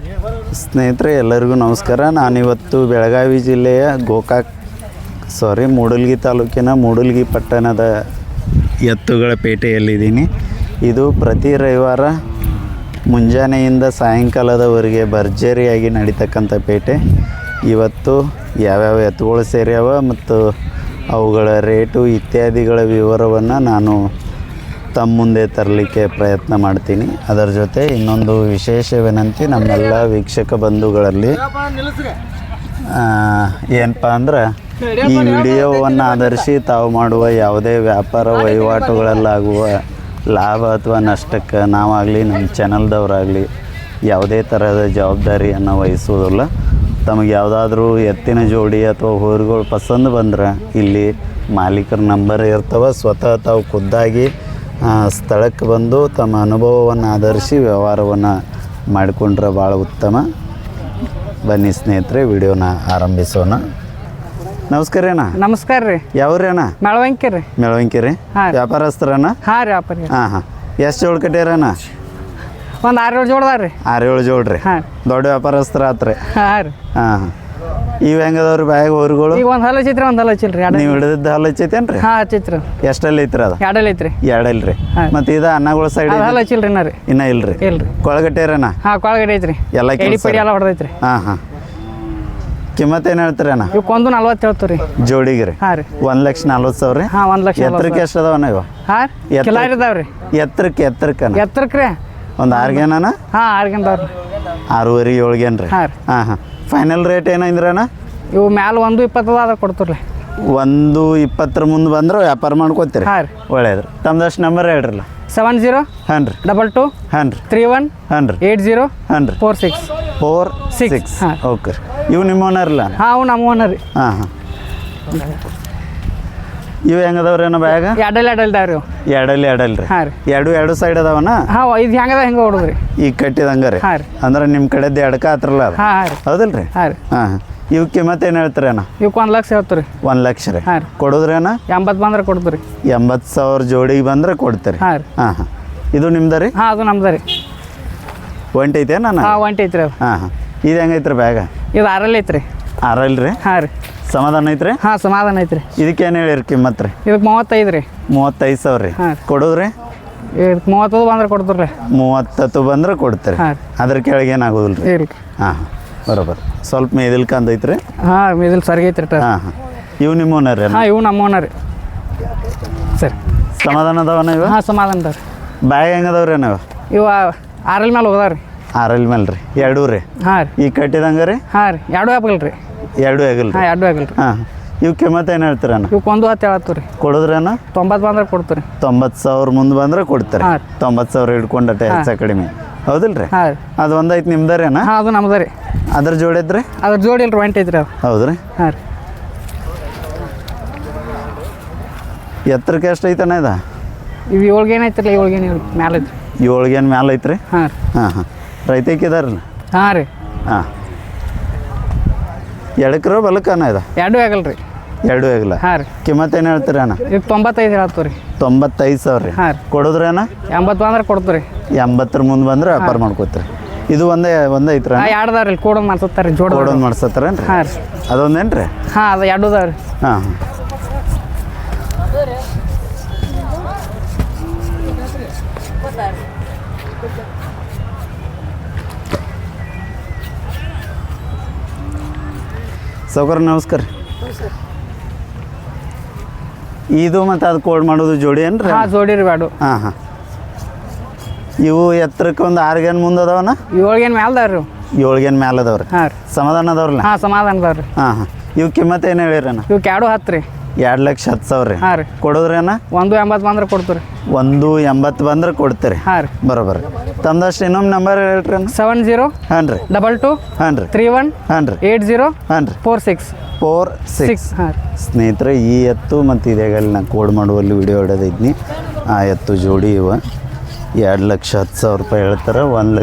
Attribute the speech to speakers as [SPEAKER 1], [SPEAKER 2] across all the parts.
[SPEAKER 1] ಸ್ನೇಹಿತರೆ ಎಲ್ಲರಿಗೂ ನಮಸ್ಕಾರ. ನಾನಿವತ್ತು ಬೆಳಗಾವಿ ಜಿಲ್ಲೆಯ ಮೂಡಲಗಿ ತಾಲೂಕಿನ ಮೂಡಲಗಿ ಪಟ್ಟಣದ ಎತ್ತುಗಳ ಪೇಟೆಯಲ್ಲಿದ್ದೀನಿ. ಇದು ಪ್ರತಿ ರವಿವಾರ ಮುಂಜಾನೆಯಿಂದ ಸಾಯಂಕಾಲದವರೆಗೆ ಭರ್ಜರಿಯಾಗಿ ನಡೀತಕ್ಕಂಥ ಪೇಟೆ. ಇವತ್ತು ಯಾವ್ಯಾವ ಎತ್ತುಗಳು ಸೇರ್ಯಾವ ಮತ್ತು ಅವುಗಳ ರೇಟು ಇತ್ಯಾದಿಗಳ ವಿವರವನ್ನು ನಾನು ತಮ್ಮ ಮುಂದೆ ತರಲಿಕ್ಕೆ ಪ್ರಯತ್ನ ಮಾಡ್ತೀನಿ. ಅದರ ಜೊತೆ ಇನ್ನೊಂದು ವಿಶೇಷ ವಿನಂತಿ, ನಮ್ಮೆಲ್ಲ ವೀಕ್ಷಕ ಬಂಧುಗಳಲ್ಲಿ ಏನಪ್ಪ ಅಂದ್ರೆ ಈ ವಿಡಿಯೋವನ್ನು ಆಧರಿಸಿ ತಾವು ಮಾಡುವ ಯಾವುದೇ ವ್ಯಾಪಾರ ವಹಿವಾಟುಗಳಲ್ಲಾಗುವ ಲಾಭ ಅಥವಾ ನಷ್ಟಕ್ಕೆ ನಾವಾಗಲಿ ನಮ್ಮ ಚಾನಲ್ದವರಾಗಲಿ ಯಾವುದೇ ಥರದ ಜವಾಬ್ದಾರಿಯನ್ನು ವಹಿಸುವುದಿಲ್ಲ. ತಮಗೆ ಯಾವುದಾದ್ರೂ ಎತ್ತಿನ ಜೋಡಿ ಅಥವಾ ಹೋರಿಗಳು ಪಸಂದ್ ಬಂದ್ರೆ ಇಲ್ಲಿ ಮಾಲೀಕರ ನಂಬರ್ ಇರ್ತವೆ. ಸ್ವತಃ ತಾವು ಖುದ್ದಾಗಿ ಸ್ಥಳಕ್ಕೆ ಬಂದು ತಮ್ಮ ಅನುಭವವನ್ನು ಆಧರಿಸಿ ವ್ಯವಹಾರವನ್ನು ಮಾಡಿಕೊಂಡ್ರೆ ಭಾಳ ಉತ್ತಮ. ಬನ್ನಿ ಸ್ನೇಹಿತರೆ, ವಿಡಿಯೋನ ಆರಂಭಿಸೋಣ. ನಮಸ್ಕಾರ ಅಣ್ಣ.
[SPEAKER 2] ನಮಸ್ಕಾರ ರೀ.
[SPEAKER 1] ಯಾವ್ರಿ ಅಣ್ಣ?
[SPEAKER 2] ಮೆಳವಂಕಿ ರೀ.
[SPEAKER 1] ಮೆಳವಂಕಿ ರೀ. ವ್ಯಾಪಾರಸ್ಥರಣ್ಣ?
[SPEAKER 2] ಹಾಂ ರೀ, ವ್ಯಾಪಾರ.
[SPEAKER 1] ಹಾಂ. ಎಷ್ಟು ಜೋಳು ಕಟ್ಟ್ಯಾರಣ್ಣ?
[SPEAKER 2] ಒಂದು 6-7 ಜೋಡ್ದಾವ ರೀ.
[SPEAKER 1] 6-7 ಜೋಡ್ರಿ.
[SPEAKER 2] ಹಾಂ.
[SPEAKER 1] ದೊಡ್ಡ ವ್ಯಾಪಾರಸ್ಥರ ಆತ್ರಿ.
[SPEAKER 2] ಹಾಂ ರೀ.
[SPEAKER 1] ಹಾಂ. ಇವು ಹೆಂಗದವ್ರಿ ಬ್ಯಾಗ್ ಹೋರಿಗಳು?
[SPEAKER 2] ಈಗ ಒಂದು ಹಲ್ಲು ಹಚ್ಚಿತ್ರಿ, ಒಂದು ಹಲ್ಲು ಹಚ್ಚಿಲ್ರಿ.
[SPEAKER 1] ನೀವು ಹಿಡಿದಿದ್ದು ಹಲ್ಲು ಹಚ್ಚೈತೇನ್ರಿ?
[SPEAKER 2] ಹಾಂ, ಹಚ್ಚಿತ್ರಿ.
[SPEAKER 1] ಎಷ್ಟಲ್ಲಿ ಐತ್ರಿ ಅದು?
[SPEAKER 2] 2 ಐತ್ರಿ.
[SPEAKER 1] 2 ಇಲ್ರಿ. ಮತ್ತು ಇದು ಅನ್ನಗಳ ಸೈಡ್
[SPEAKER 2] ಹಲ್ಲು ಹಚ್ಚಿಲ್ರಿ ಇನ್ನ ರೀ.
[SPEAKER 1] ಇನ್ನೂ ಇಲ್ರಿ.
[SPEAKER 2] ಇಲ್ರಿ.
[SPEAKER 1] ಕೊಳಗಟ್ಟೇರಣ್ಣ?
[SPEAKER 2] ಹಾಂ, ಕೊಳಗಡೆ ಐತ್ರಿ.
[SPEAKER 1] ಎಲ್ಲ
[SPEAKER 2] ಎಡಿ ಪಡಿ ಎಲ್ಲ ಹೊಡೆದೈತ್ರಿ.
[SPEAKER 1] ಹಾಂ ಹಾಂ. ಕಿಮ್ಮತ್ತು ಏನು ಹೇಳ್ತೀರಿ ಅಣ್ಣ?
[SPEAKER 2] ಇವಕ್ಕೊಂದು 40 ಹೇಳ್ತೀವಿ ರೀ
[SPEAKER 1] ಜೋಡಿಗೆ ರೀ.
[SPEAKER 2] ಹಾಂ ರೀ.
[SPEAKER 1] 1,40,000 ರೀ.
[SPEAKER 2] ಹಾಂ, 1 ಲಕ್ಷ.
[SPEAKER 1] ಎತ್ತರಕ್ಕೆ ಎಷ್ಟು ಅದಾವಣ್ಣ ಇವ?
[SPEAKER 2] ಹಾಂ, ಕಿಲಾರಿ ಇದಾವೆ ರೀ.
[SPEAKER 1] ಎತ್ತರಕ್ಕೆ
[SPEAKER 2] ಎತ್ತರಕ್ಕೆ ರೀ
[SPEAKER 1] ಒಂದು 6 ಗೇನಣ್ಣ?
[SPEAKER 2] ಹಾಂ, 6 ಗೇನ್ದಾವ್ರಿ.
[SPEAKER 1] 6.5 7 ಗೇನ್ ರೀ.
[SPEAKER 2] ಹಾಂ ರೀ.
[SPEAKER 1] ಹಾಂ ಹಾಂ. ಫೈನಲ್ ರೇಟ್ ಏನಂದ್ರೆ ಅಣ್ಣ?
[SPEAKER 2] ಇವು ಮ್ಯಾಲೆ 1.20 ಅದ ಕೊಡ್ತೀರಿ.
[SPEAKER 1] 1.20 ಮುಂದೆ ಬಂದ್ರೆ ವ್ಯಾಪಾರ ಮಾಡ್ಕೋತೀರಿ.
[SPEAKER 2] ಹಾಂ ರೀ.
[SPEAKER 1] ಒಳ್ಳೇದ್ರಿ. ತಮ್ದಷ್ಟು ನಂಬರ್ ಹೇಳ್ರಲ್ಲ.
[SPEAKER 2] 70
[SPEAKER 1] ಹಾಂ ರೀ
[SPEAKER 2] 22
[SPEAKER 1] ಹಾಂ ರೀ
[SPEAKER 2] 31
[SPEAKER 1] ಹಾಂ ರೀ
[SPEAKER 2] 80
[SPEAKER 1] ಹಾಂ ರೀ
[SPEAKER 2] 46.
[SPEAKER 1] ಹಾಂ. ಓಕೆ ರೀ. ಇವು ನಿಮ್ಮ ಓನರ್ಲ್ಲ?
[SPEAKER 2] ಹಾಂ, ಅವು ನಮ್ಮ ಓನರ್ ರೀ.
[SPEAKER 1] ಹಾಂ ಹಾಂ. ಇವು ಹೆಂಗದವ್ರಿ ಅಣ್ಣ ಬ್ಯಾಗ?
[SPEAKER 2] 2 ಇದಾವೆ ರೀ.
[SPEAKER 1] 2 ರೀ.
[SPEAKER 2] ಹಾಂ ರೀ.
[SPEAKER 1] 2 ಸೈಡ್ ಅದಾವಣ್ಣ?
[SPEAKER 2] ಹಾಂ, ಇದು ಹೆಂಗದ ಹೆಂಗೆ ಹೊಡೋದ್ರಿ.
[SPEAKER 1] ಈಗ ಕಟ್ಟಿದಂಗೆ ರೀ.
[SPEAKER 2] ಹಾಂ ರೀ.
[SPEAKER 1] ಅಂದ್ರೆ ನಿಮ್ಮ ಕಡೆದ್ದು ಎಡಕ ಹತ್ರಲ್ಲ ಅದು?
[SPEAKER 2] ಹಾಂ ಹಾಂ ರೀ.
[SPEAKER 1] ಹೌದಿಲ್ಲ ರೀ?
[SPEAKER 2] ಹಾಂ ರೀ.
[SPEAKER 1] ಹಾಂ ಹಾಂ. ಇವಕ್ಕೆ ಮತ್ತೆ ಏನು ಹೇಳ್ತೀರಿ ಅಣ್ಣ?
[SPEAKER 2] ಇವಕ್ಕೆ 1 ಲಕ್ಷ ಹೇಳ್ತೀವಿ ರೀ.
[SPEAKER 1] 1 ಲಕ್ಷ ರೀ.
[SPEAKER 2] ಹಾಂ ರೀ.
[SPEAKER 1] ಕೊಡೋದ್ರಿ ಅಣ್ಣ?
[SPEAKER 2] 80 ಬಂದ್ರೆ ಕೊಡ್ತೀವಿ ರೀ.
[SPEAKER 1] 80,000 ಜೋಡಿಗೆ ಬಂದ್ರೆ ಕೊಡ್ತೀರಿ?
[SPEAKER 2] ಹಾಂ ರೀ.
[SPEAKER 1] ಹಾಂ ಹಾಂ. ಇದು ನಿಮ್ದು ರೀ?
[SPEAKER 2] ಹಾಂ, ಅದು ನಮ್ದು ರೀ.
[SPEAKER 1] ಒಂಟೈತೆ ನಾನು?
[SPEAKER 2] ಹಾಂ, ಒಂಟೈತ್ರಿ ಅದು.
[SPEAKER 1] ಹಾಂ ಹಾಂ. ಇದು ಹೆಂಗೈತ್ರಿ ಬ್ಯಾಗ?
[SPEAKER 2] ಇದು 6 ಐತ್ರಿ.
[SPEAKER 1] 6 ರೀ?
[SPEAKER 2] ಹಾಂ ರೀ.
[SPEAKER 1] ಸಮಾಧಾನ ಐತ್ರಿ?
[SPEAKER 2] ಹಾಂ, ಸಮಾಧಾನ ಐತ್ರಿ.
[SPEAKER 1] ಇದಕ್ಕೇನು ಹೇಳಿರಿ ಕಿಮ್ಮತ್ತು ರೀ?
[SPEAKER 2] ಇದಕ್ಕೆ 35 ರೀ.
[SPEAKER 1] 35,000 ರೀ.
[SPEAKER 2] ಹಾಂ.
[SPEAKER 1] ಕೊಡೋದ್ರಿ?
[SPEAKER 2] ಇದಕ್ಕೆ 30 ಬಂದ್ರೆ ಕೊಡ್ತೀವಿ ರೀ.
[SPEAKER 1] 30 ಬಂದ್ರೆ ಕೊಡ್ತೀರಿ?
[SPEAKER 2] ಹಾಂ.
[SPEAKER 1] ಅದ್ರ ಕೆಳಗೆ ಏನಾಗೋದಿಲ್ಲ ರೀ?
[SPEAKER 2] ಇಲ್ಲ.
[SPEAKER 1] ಹಾಂ ಹಾಂ. ಬರೋಬರ್. ಸ್ವಲ್ಪ ಮೇದಿಲ್ ಕಂದೈತ್ರಿ?
[SPEAKER 2] ಹಾಂ, ಇದಿಲ್ಲಿ ಸರ್ಗೈತ್ರಿ.
[SPEAKER 1] ಹಾಂ ಹಾಂ. ಇವು ನಿಮ್ಮ ಓನರ್ ರೀ?
[SPEAKER 2] ಹಾಂ, ಇವು ನಮ್ಮ ಓನರ್ ರೀ. ಸರಿ.
[SPEAKER 1] ಸಮಾಧಾನ ಅದಾವಣ್ಣ ಇವು?
[SPEAKER 2] ಹಾಂ, ಸಮಾಧಾನ ಅದಾವ ರೀ.
[SPEAKER 1] ಬ್ಯಾಗ್ ಹೆಂಗದವ್ರಿ ನಾವು?
[SPEAKER 2] ಇವು 6 ಮೇಲೆ ಹೋದಾವ ರೀ.
[SPEAKER 1] 6 ಮೇಲೆ ರೀ. 2 ರೀ?
[SPEAKER 2] ಹಾಂ ರೀ.
[SPEAKER 1] ಈಗ ಕಟ್ಟಿದಂಗೆ ರೀ?
[SPEAKER 2] ಹಾಂ ರೀ. 2 ಆಗಲ್ಲ ರೀ.
[SPEAKER 1] 2 ಆಗಿಲ್ಲ ರೀ?
[SPEAKER 2] ಹಾಂ, 2 ಆಗಲ್ಲ ರೀ.
[SPEAKER 1] ಹಾಂ. ಇವು ಕಿಮ್ಮತ್ತು ಏನು ಹೇಳ್ತೀರಣ್ಣ?
[SPEAKER 2] ಇವಕ್ಕೆ 1 10 ಹೇಳತ್ತೀವಿ ರೀ.
[SPEAKER 1] ಕೊಡೋದ್ರಣ್ಣ?
[SPEAKER 2] 90 ಬಂದ್ರೆ ಕೊಡ್ತೀವಿ ರೀ.
[SPEAKER 1] 90,000 ಮುಂದೆ ಬಂದ್ರೆ ಕೊಡ್ತಾರೆ?
[SPEAKER 2] ಹಾಂ.
[SPEAKER 1] 90,000 ಹಿಡ್ಕೊಂಡಟ್ಟೆ ಹೆಚ್ಚು ಕಡಿಮೆ. ಹೌದಿಲ್ಲ ರೀ?
[SPEAKER 2] ಹಾಂ ರೀ.
[SPEAKER 1] ಅದು ಒಂದೈತೆ ನಿಮ್ದು ಅಣ್ಣ?
[SPEAKER 2] ಹಾಂ, ಅದು ನಮ್ದು ರೀ.
[SPEAKER 1] ಅದ್ರ ಜೋಡಿದ್ರಿ?
[SPEAKER 2] ಅದ್ರ ಜೋಡಿ ಇಲ್ರಿ, ಒಂಟೈತ್ರಿ ಅದು.
[SPEAKER 1] ಹೌದು ರೀ?
[SPEAKER 2] ಹಾಂ ರೀ.
[SPEAKER 1] ಎತ್ತರಕ್ಕೆ ಎಷ್ಟು ಐತಣ್ಣ ಇದು?
[SPEAKER 2] ಇವು 7 ಗೇನ್ ಐತ್ರಲ್ಲ, 7 ಗೇನ್ ಮ್ಯಾಲೆ ಐತ್ರಿ.
[SPEAKER 1] 7 ಗೇನ್ ಮ್ಯಾಲೆ ಐತ್ರಿ?
[SPEAKER 2] ಹಾಂ ರೀ.
[SPEAKER 1] ಹಾಂ ಹಾಂ. ರೈತಕ್ಕಿದಾರಲ್ಲ?
[SPEAKER 2] ಹಾಂ ರೀ.
[SPEAKER 1] ಹಾಂ. ಎಡಕ್ರೋ ಬಲಕ್ಕನ ಇದು?
[SPEAKER 2] 2 ಆಗಲ್ಲ ರೀ.
[SPEAKER 1] 2 ಆಗಿಲ್ಲ?
[SPEAKER 2] ಹಾಂ ರೀ.
[SPEAKER 1] ಕಿಮ್ಮತ್ತು ಏನು ಹೇಳ್ತೀರಿ ಅಣ್ಣ?
[SPEAKER 2] ಇದಕ್ಕೆ 95 ಹೇಳತ್ತೀವಿ ರೀ.
[SPEAKER 1] 95,000 ರೀ.
[SPEAKER 2] ಹಾಂ ರೀ.
[SPEAKER 1] ಕೊಡೋದ್ರಿ ಅಣ್ಣ?
[SPEAKER 2] 80 ಬಂದ್ರೆ ಕೊಡ್ತೀವಿ ರೀ.
[SPEAKER 1] 80 ಮುಂದೆ ಬಂದ್ರೆ ವ್ಯಾಪಾರ ಮಾಡ್ಕೋತೀರಿ? ಇದು ಒಂದೇ ಐತ್ರಿ?
[SPEAKER 2] ಹಾಂ, 2 ಅದಾವ ರೀ. ಕೋಡೊಂದು ಮಾಡ್ಸತ್ತಾರೆ ರೀ. ಜೋಡಿ
[SPEAKER 1] ಕೋಡೊಂದು ಮಾಡ್ಸತ್ತಾರೇನು ರೀ?
[SPEAKER 2] ಹಾಂ ರೀ.
[SPEAKER 1] ಅದೊಂದೇನು ರೀ?
[SPEAKER 2] ಹಾಂ, ಅದು 2 ಅದಾವ ರೀ.
[SPEAKER 1] ಹಾಂ ಹಾಂ. ಸೌಕರ್ ನಮಸ್ಕಾರ. ಇದು ಮತ್ತು ಅದು ಕೋಡ್ ಮಾಡೋದು ಜೋಡಿ ಏನು ರೀ?
[SPEAKER 2] ಹಾಂ, ಜೋಡಿ ರೀ. ಬ್ಯಾಡು.
[SPEAKER 1] ಹಾಂ ಹಾಂ. ಇವು ಎತ್ತರಕ್ಕೆ ಒಂದು 6 ಗೇನ್ ಮುಂದೆ ಅದಾವಣ್ಣ?
[SPEAKER 2] 7 ಗೇನ್ ಮ್ಯಾಲೆ ಅದಾವ ರೀ.
[SPEAKER 1] 7 ಗೇನ್ ಮ್ಯಾಲೆ ಅದಾವ್ರಿ?
[SPEAKER 2] ಹಾಂ ರೀ.
[SPEAKER 1] ಸಮಾಧಾನ ಅದಾವ್ರಲ್ಲ?
[SPEAKER 2] ಹಾಂ, ಸಮಾಧಾನ ಅದಾವ ರೀ.
[SPEAKER 1] ಹಾಂ ಹಾಂ. ಇವು ಕಿಮ್ಮತ್ತು ಏನು ಹೇಳಿರಣ್ಣ?
[SPEAKER 2] ಇವಕ್ಕೆ 2 10 ರೀ.
[SPEAKER 1] 2,10,000 ರೀ.
[SPEAKER 2] ಹಾಂ ರೀ.
[SPEAKER 1] ಕೊಡೋದ್ರಿ ಅಣ್ಣ?
[SPEAKER 2] 1 80 ಬಂದ್ರೆ ಕೊಡ್ತೀವಿ ರೀ.
[SPEAKER 1] 180 ಬಂದ್ರೆ ಕೊಡ್ತೀರಿ?
[SPEAKER 2] ಹಾಂ ರೀ.
[SPEAKER 1] ಬರೋಬರ್. ತಮ್ದಷ್ಟು ಇನ್ನೊಮ್ಮೆ ನಂಬರ್ ಹೇಳ್ರಿ ಅಣ್ಣ?
[SPEAKER 2] 70
[SPEAKER 1] ಹಾಂ ರೀ
[SPEAKER 2] 22
[SPEAKER 1] ಹಾಂ ರೀ
[SPEAKER 2] 31
[SPEAKER 1] ಹಾಂ ರೀ
[SPEAKER 2] 80
[SPEAKER 1] ಹಾಂ ರೀ
[SPEAKER 2] 46 ಹಾಂ ರೀ.
[SPEAKER 1] ಸ್ನೇಹಿತರೆ, ಈ ಎತ್ತು ಮತ್ತು ಇದೇಗಲ್ಲಿ ನಾನು ಕೋಡ್ ಮಾಡುವಲ್ಲಿ ವಿಡಿಯೋ ಹೊಡೆದಿದ್ನಿ. ಆ ಎತ್ತು ಜೋಡಿ ಇವ 2,10,000 ರೂಪಾಯಿ ಹೇಳ್ತಾರೆ.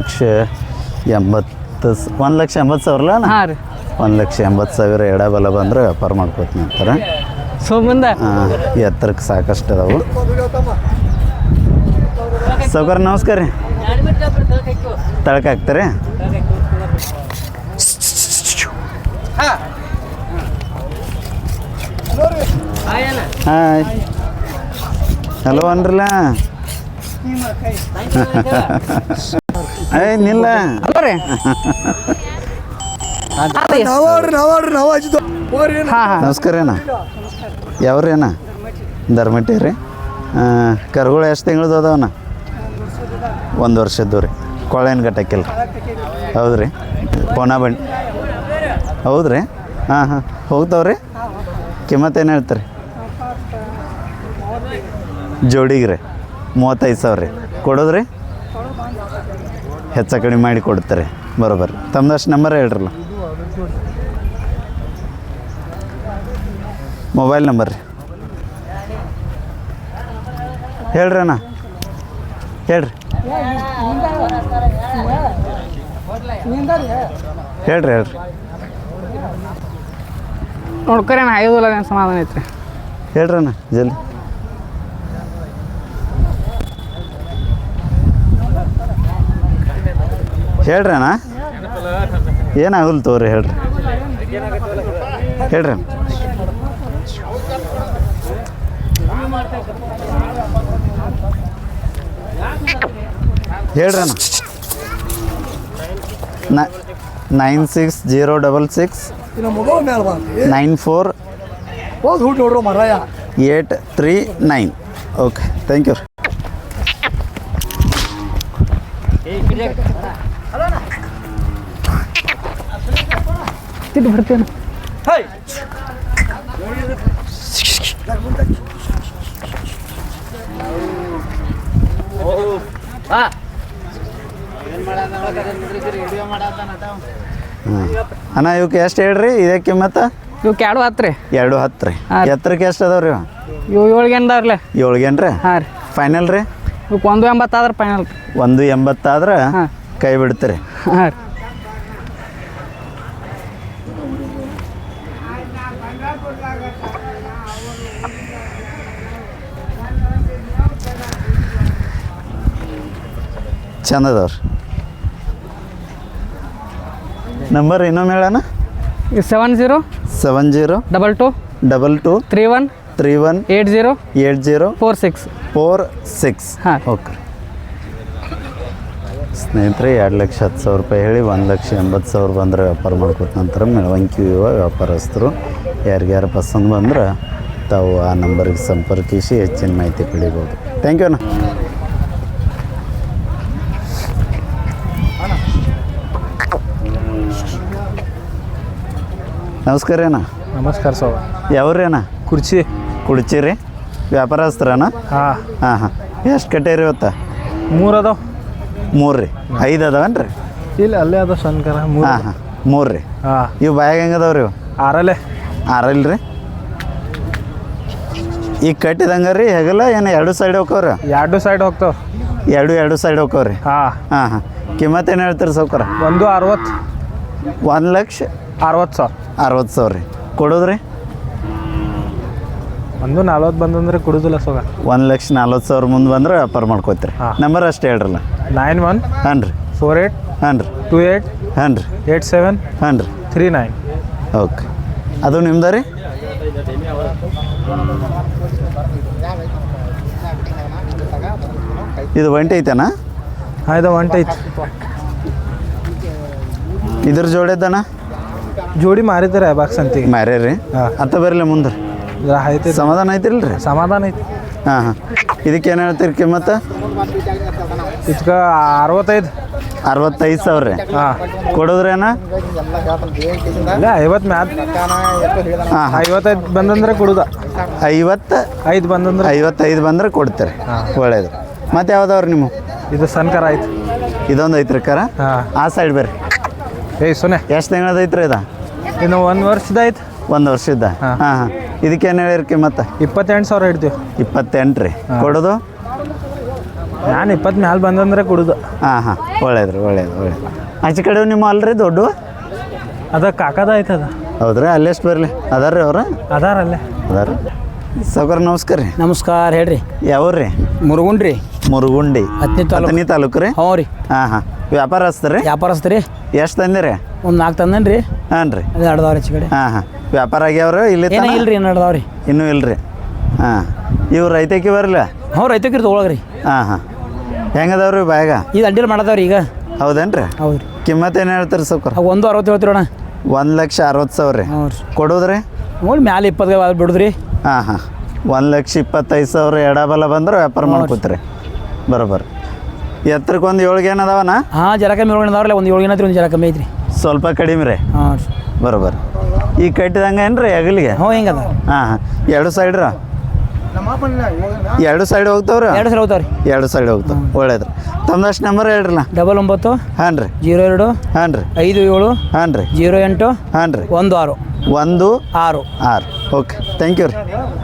[SPEAKER 1] 1,80,000 ಅಲ್ಲ?
[SPEAKER 2] ಹಾಂ ರೀ.
[SPEAKER 1] 1,80,000 ಎಡಬಲ ಬಂದ್ರೆ ವ್ಯಾಪಾರ ಮಾಡ್ಕೋತೀನಿ ಅಂತಾರೆ.
[SPEAKER 2] ಮುಂದೆ
[SPEAKER 1] ಎತ್ತರಕ್ಕೆ ಸಾಕಷ್ಟು ಅದಾವು. ಸೌಕರ್ ನಮಸ್ಕಾರ ರೀ. ತಳಕ್ಕೆ ಹಾಕ್ತಾರೆ? ಹಾಯ್ ಹಲೋ ಅನ್ರಲ್ಲ ಏಯ್ ನಿಲ್ಲ
[SPEAKER 2] ಅಲ್ಲ ರೀ ಹಾಂ ಹಾಂ
[SPEAKER 1] ನಮಸ್ಕಾರ ಅಣ್ಣ ಯಾವ್ರಿ ಅಣ್ಣ ಧರ್ಮಟ್ಟಿ ರೀ ಕರುಗಳು ಎಷ್ಟು ತಿಂಗಳದ್ದು ಅದಾವಣ್ಣ 1 ವರ್ಷದ್ದು ರೀ ಕೊಳೇನು ಗಟ್ಟಕ್ಕಿಲ್ಲ ಹೌದು ರೀ ಪೋನಾ ಬಂಡಿ ಹೌದು ರೀ ಹಾಂ ಹಾಂ ಹೋಗ್ತಾವ್ರಿ ಕಿಮ್ಮತ್ತೇನು ಹೇಳ್ತಾರೆ ಜೋಡಿಗೆ ರೀ 35,000 ರೀ ಕೊಡೋದ್ರಿ ಹೆಚ್ಚು ಕಡಿಮೆ ಮಾಡಿ ಕೊಡ್ತಾರೆ ಬರೋಬ್ಬರಿ ತಮ್ಮದಷ್ಟು ನಂಬರ್ ಹೇಳ್ರಲ್ಲ ಮೊಬೈಲ್ ನಂಬರ್ ರೀ ಹೇಳ್ರಿ ಅಣ್ಣ ಹೇಳ್ರಿ ಹೇಳ್ರಿ ಹೇಳ್ರಿ
[SPEAKER 2] ನೋಡ್ಕೊರಿ ಅಣ್ಣ ಐದು ಸಮಾಧಾನ ಐತ್ರಿ
[SPEAKER 1] ಹೇಳ್ರಿ ಅಣ್ಣ ಜಲ್ದಿ ಹೇಳ್ರಿ ಅಣ್ಣ ಏನಾಗಲ್ಲ ತೋರಿ ಹೇಳ್ರಿ ಹೇಳ್ರಿ ಅಣ್ಣ ಹೇಳ್ರಿ ಅಣ್ಣ 9606 94 839 ಓಕೆ ಥ್ಯಾಂಕ್ ಯು
[SPEAKER 2] ತಿಟ್ಟು ಬರ್ತೀನಿ
[SPEAKER 1] ಅಣ್ಣ ಇವಕ್ಕೆ ಎಷ್ಟು ಹೇಳ್ರಿ ಇದೇ ಕಿಮ್ಮತ್ತ
[SPEAKER 2] ಇವಕ್ಕೆ 2 10 ರೀ
[SPEAKER 1] 210 ರೀ ಎತ್ತರಕ್ಕೆ ಎಷ್ಟು ಅದಾವ ರೀ
[SPEAKER 2] ಇವು 7 ಅದಾವ್ರಲ್ಲ
[SPEAKER 1] 7 ರೀ
[SPEAKER 2] ಹಾಂ ರೀ
[SPEAKER 1] ಫೈನಲ್ ರೀ
[SPEAKER 2] ಇವಕ್ಕೆ 180 ಆದ್ರೆ ಫೈನಲ್ ರೀ
[SPEAKER 1] 180 ಆದ್ರೆ
[SPEAKER 2] ಹಾಂ
[SPEAKER 1] ಕೈ ಬಿಡ್ತೀರಿ
[SPEAKER 2] ಹಾಂ ರೀ
[SPEAKER 1] ಚಂದ ಅದಾವ್ರಿ ನಂಬರ್ ಇನ್ನೊಮ್ಮೆ ಹೇಳೋಣ
[SPEAKER 2] 70
[SPEAKER 1] 70
[SPEAKER 2] 22
[SPEAKER 1] 22
[SPEAKER 2] 31
[SPEAKER 1] 31
[SPEAKER 2] 80
[SPEAKER 1] 80
[SPEAKER 2] 46
[SPEAKER 1] 46
[SPEAKER 2] ಹಾಂ
[SPEAKER 1] ಓಕೆ ಸ್ನೇಹಿತರೆ 2,10,000 ರೂಪಾಯಿ ಹೇಳಿ 1,80,000 ಬಂದರೆ ವ್ಯಾಪಾರ ಮಾಡ್ಕೊತ ನಂತರ ಮೆಳವಂಕಿ ವ್ಯಾಪಾರಸ್ಥರು ಯಾರಿಗ್ಯಾರು ಪಸಂದ್ ಬಂದ್ರೆ ತಾವು ಆ ನಂಬರಿಗೆ ಸಂಪರ್ಕಿಸಿ ಹೆಚ್ಚಿನ ಮಾಹಿತಿ ಪಡಿಬೋದು ಥ್ಯಾಂಕ್ ಯು ಅಣ್ಣ ನಮಸ್ಕಾರ ಅಣ್ಣ
[SPEAKER 2] ನಮಸ್ಕಾರ ಸರ್
[SPEAKER 1] ಯಾವ್ರಿ ಅಣ್ಣ ಕುಡ್ಚಿ ರೀ ವ್ಯಾಪಾರಸ್ಥರಣ್ಣ
[SPEAKER 2] ಹಾಂ
[SPEAKER 1] ಹಾಂ ಹಾಂ ಎಷ್ಟು ಕಟ್ಟೇರಿ ಇವತ್ತು
[SPEAKER 2] 3 ಅದಾವ
[SPEAKER 1] 3 ರೀ 5 ಅದಾವನ್ ರೀ
[SPEAKER 2] ಇಲ್ಲ ಅಲ್ಲೇ ಅದಾವ ಸಣ್ಣ
[SPEAKER 1] ಹಾಂ ಹಾಂ 3 ರೀ
[SPEAKER 2] ಹಾಂ
[SPEAKER 1] ಇವು ಬಾಯಾಗ ಹೆಂಗೆ ಅದಾವ ರೀ ಇವು 6 ರೀ ಈಗ ಕಟ್ಟಿದಂಗೆ ರೀ ಹೆಗಲ ಏನು 2 ಸೈಡ್ ಹೋಗ್ತಾವ್ರಿ
[SPEAKER 2] 2 ಸೈಡ್ ಹೋಗ್ತಾವ
[SPEAKER 1] 2 ಸೈಡ್ ಹೋಗ್ತಾವ್ರಿ
[SPEAKER 2] ಹಾಂ
[SPEAKER 1] ಹಾಂ ಹಾಂ ಕಿಮ್ಮತ್ತು ಏನು ಹೇಳ್ತೀರಿ ಸೌಕರ
[SPEAKER 2] 160
[SPEAKER 1] 1,60,000 ರೀ ಕೊಡೋದ್ರಿ
[SPEAKER 2] 140 ಬಂದಂದ್ರೆ ಕೊಡುದಿಲ್ಲ ಸೋಗ
[SPEAKER 1] 1,40,000 ಮುಂದೆ ಬಂದ್ರೆ ವ್ಯಾಪಾರ ಮಾಡ್ಕೋತೀರಿ ನಂಬರ್ ಅಷ್ಟು ಹೇಳ್ರಲ್ಲ
[SPEAKER 2] 91
[SPEAKER 1] ಹಾಂ ರೀ
[SPEAKER 2] 48
[SPEAKER 1] ಹಾಂ ರೀ
[SPEAKER 2] 28
[SPEAKER 1] ಹಾಂ ರೀ
[SPEAKER 2] 87
[SPEAKER 1] ಹಾಂ ರೀ
[SPEAKER 2] 39
[SPEAKER 1] ಓಕೆ ಅದು ನಿಮ್ದು ರೀ ಇದು ಒಂಟಿ ಐತೆನಾ
[SPEAKER 2] ಹಾಂ ಇದು ಒಂಟಿ ಐತಿ
[SPEAKER 1] ಇದ್ರ ಜೋಡಿದ್ದಣ್ಣ
[SPEAKER 2] ಜೋಡಿ ಮಾರಿದ್ದಾರೆ ಬಾಕ್ಸ್ ಅಂತಿಗೆ
[SPEAKER 1] ಮ್ಯಾರೇ ರೀ ಅತ್ತ ಬರಲಿ ಮುಂದೆ
[SPEAKER 2] ಐತಿ
[SPEAKER 1] ಸಮಾಧಾನ ಐತಿಲ್ಲ ರೀ
[SPEAKER 2] ಸಮಾಧಾನ ಐತಿ
[SPEAKER 1] ಹಾಂ ಹಾಂ ಇದಕ್ಕೆ ಏನು ಹೇಳ್ತೀರಿ ಕಿಮ್ಮತ್ತು
[SPEAKER 2] ಇದಕ್ಕೆ
[SPEAKER 1] 65,000 ರೀ
[SPEAKER 2] ಹಾಂ
[SPEAKER 1] ಕೊಡೋದ್ರೇನ
[SPEAKER 2] ಇಲ್ಲ 50 ಮ್ಯಾಲ
[SPEAKER 1] ಹಾಂ
[SPEAKER 2] 55 ಬಂದಂದ್ರೆ ಕೊಡುದ
[SPEAKER 1] 55
[SPEAKER 2] ಬಂದಂದ್ರೆ
[SPEAKER 1] 55 ಬಂದ್ರೆ ಕೊಡ್ತೀರಿ ಒಳ್ಳೇದು ಮತ್ತೆ ಯಾವ್ದವ್ರಿ ನಿಮ್ಮ
[SPEAKER 2] ಇದು ಸಣ್ಕರ ಐತಿ
[SPEAKER 1] ಇದೊಂದು ಐತ್ರಿ ಕರ
[SPEAKER 2] ಹಾಂ
[SPEAKER 1] ಆ ಸೈಡ್ ಬರ್ರಿ
[SPEAKER 2] ಏಯ್ ಸೊನೆ
[SPEAKER 1] ಎಷ್ಟು ತಿಂಗಳದ ಐತ್ರಿ ಇದು
[SPEAKER 2] ಇನ್ನು 1 ವರ್ಷದ ಐತಿ
[SPEAKER 1] 1 ವರ್ಷದ ಹಾಂ ಹಾಂ ಇದಕ್ಕೇನು ಹೇಳಿರಿ ಕಿಮ್ಮತ್ತು
[SPEAKER 2] 28,000 ಹಿಡ್ತೀವಿ
[SPEAKER 1] 28 ರೀ ಕೊಡೋದು
[SPEAKER 2] ನಾನು 20 ಮ್ಯಾಲ ಬಂದಂದ್ರೆ ಕೊಡುದು
[SPEAKER 1] ಹಾಂ ಹಾಂ ಒಳ್ಳೇದು ಆಚೆ ಕಡೆ ನಿಮ್ಮ ಅಲ್ರಿ ದೊಡ್ಡ
[SPEAKER 2] ಅದ ಕಾಕದ ಐತೆ ಅದ
[SPEAKER 1] ಹೌದ್ರಿ ಅಲ್ಲೆಷ್ಟು ಬರಲಿ ಅದಾರ ರೀ ಅವ್ರು
[SPEAKER 2] ಅದಾರಲ್ಲೇ
[SPEAKER 1] ಅದಾರ ಸಾವ್ಕಾರ ನಮಸ್ಕಾರ ರೀ
[SPEAKER 2] ನಮಸ್ಕಾರ ಹೇಳ್ರಿ
[SPEAKER 1] ಯಾವ್ರಿ
[SPEAKER 2] ಮುರುಗುಂಡ್ರಿ
[SPEAKER 1] ಮುರುಗುಂಡಿ
[SPEAKER 2] ಹತ್ತನೇ
[SPEAKER 1] ತಾಲೂಕು ರೀ
[SPEAKER 2] ಹ್ಞೂ ರೀ
[SPEAKER 1] ಹಾಂ ಹಾಂ ವ್ಯಾಪಾರ ಹಚ್ತಾರೆ
[SPEAKER 2] ವ್ಯಾಪಾರಸ್ತ್ರಿ
[SPEAKER 1] ಎಷ್ಟು ತಂದಿರಿ
[SPEAKER 2] ಒಂದು 4 ತಂದನ್ರಿ
[SPEAKER 1] ಹಾಂ ರೀ
[SPEAKER 3] ಅದು ಅಡ್ದಾವ್ರಿ ಹೆಚ್ಚು ಕಡೆ.
[SPEAKER 1] ಹಾಂ ಹಾಂ ವ್ಯಾಪಾರ ಆಗ್ಯಾವ್ರಿ ಇಲ್ಲಿ
[SPEAKER 3] ಏನೋ ಇಲ್ರಿ ಏನು ಅಡ್ದಾವ್ರಿ.
[SPEAKER 1] ಇನ್ನೂ ಇಲ್ರಿ ಹಾಂ ಇವು ರೈತಕ್ಕೆ ಬರಲ್ಲ
[SPEAKER 3] ಹ್ಞೂ ರೈತಕ್ಕಿರಿ ತೊಗೊಳಗ್ರಿ.
[SPEAKER 1] ಹಾಂ ಹಾಂ ಹೆಂಗದವ್ರಿ ಬ್ಯಾಗ
[SPEAKER 3] ಈಗ ಅಡ್ಡಿಲ್ ಮಾಡದವ್ರಿ ಈಗ.
[SPEAKER 1] ಹೌದೇನು ರೀ
[SPEAKER 3] ಹೌದು ರೀ.
[SPEAKER 1] ಕಿಮ್ಮತ್ತು ಏನು ಹೇಳ್ತೀರಿ ಸೌಕರ್?
[SPEAKER 3] 160 ಹೇಳ್ತೀರಿ ಅಣ್ಣ.
[SPEAKER 1] 1,60,000 ರೀ.
[SPEAKER 3] ಹ್ಞೂ ರೀ.
[SPEAKER 1] ಕೊಡೋದ್ರಿ
[SPEAKER 3] ನೋಡಿ ಮ್ಯಾಲೆ 20 ಬಿಡುದ್ರಿ.
[SPEAKER 1] ಹಾಂ ಹಾಂ 1,25,000 ಎಡಬಲ ಬಂದ್ರೆ ವ್ಯಾಪಾರ ಮಾಡ್ಕೋತೀರಿ ಬರೋಬ್ಬರ. ಎತ್ತರಕ್ಕೆ ಒಂದು 7 ಗೇನ್ ಅದಾವನ?
[SPEAKER 3] ಹಾಂ ಜರ ಕಮ್ಮಿ ಅದಾವ್ರಲ್ಲ, ಒಂದು 7 ಏನೈತ್ರಿ, ಒಂದು ಜರ ಕಮ್ಮಿ ಐತ್ರಿ.
[SPEAKER 1] ಸ್ವಲ್ಪ ಕಡಿಮೆ ರೀ.
[SPEAKER 3] ಹಾಂ ರೀ
[SPEAKER 1] ಬರೋಬ್ಬರ. ಈಗ ಕಟ್ಟಿದಂಗೆ ಏನು ರೀ ಹೆಗಲಿಗೆ?
[SPEAKER 3] ಹ್ಞೂ ಹಿಂಗೆ ಅದ.
[SPEAKER 1] ಹಾಂ ಹಾಂ 2 ಸೈಡ್ ರೀ? 2 ಸೈಡ್ ಹೋಗ್ತಾವ್ರಿ?
[SPEAKER 3] 2 ಸಲ ಹೋಗ್ತಾವ್ರಿ.
[SPEAKER 1] 2 ಸೈಡ್ ಹೋಗ್ತಾವ. ಒಳ್ಳೇದು ರೀ. ತಮ್ಮದಷ್ಟು ನಂಬರ್ ಹೇಳ್ರಲ್ಲ.
[SPEAKER 3] 99
[SPEAKER 1] ಹಾಂ ರೀ
[SPEAKER 3] 02
[SPEAKER 1] ಹಾಂ ರೀ
[SPEAKER 3] 57
[SPEAKER 1] ಹಾಂ ರೀ
[SPEAKER 3] 08
[SPEAKER 1] ಹಾಂ ರೀ
[SPEAKER 3] 16
[SPEAKER 1] 16. ಓಕೆ ಥ್ಯಾಂಕ್ ಯು ರೀ.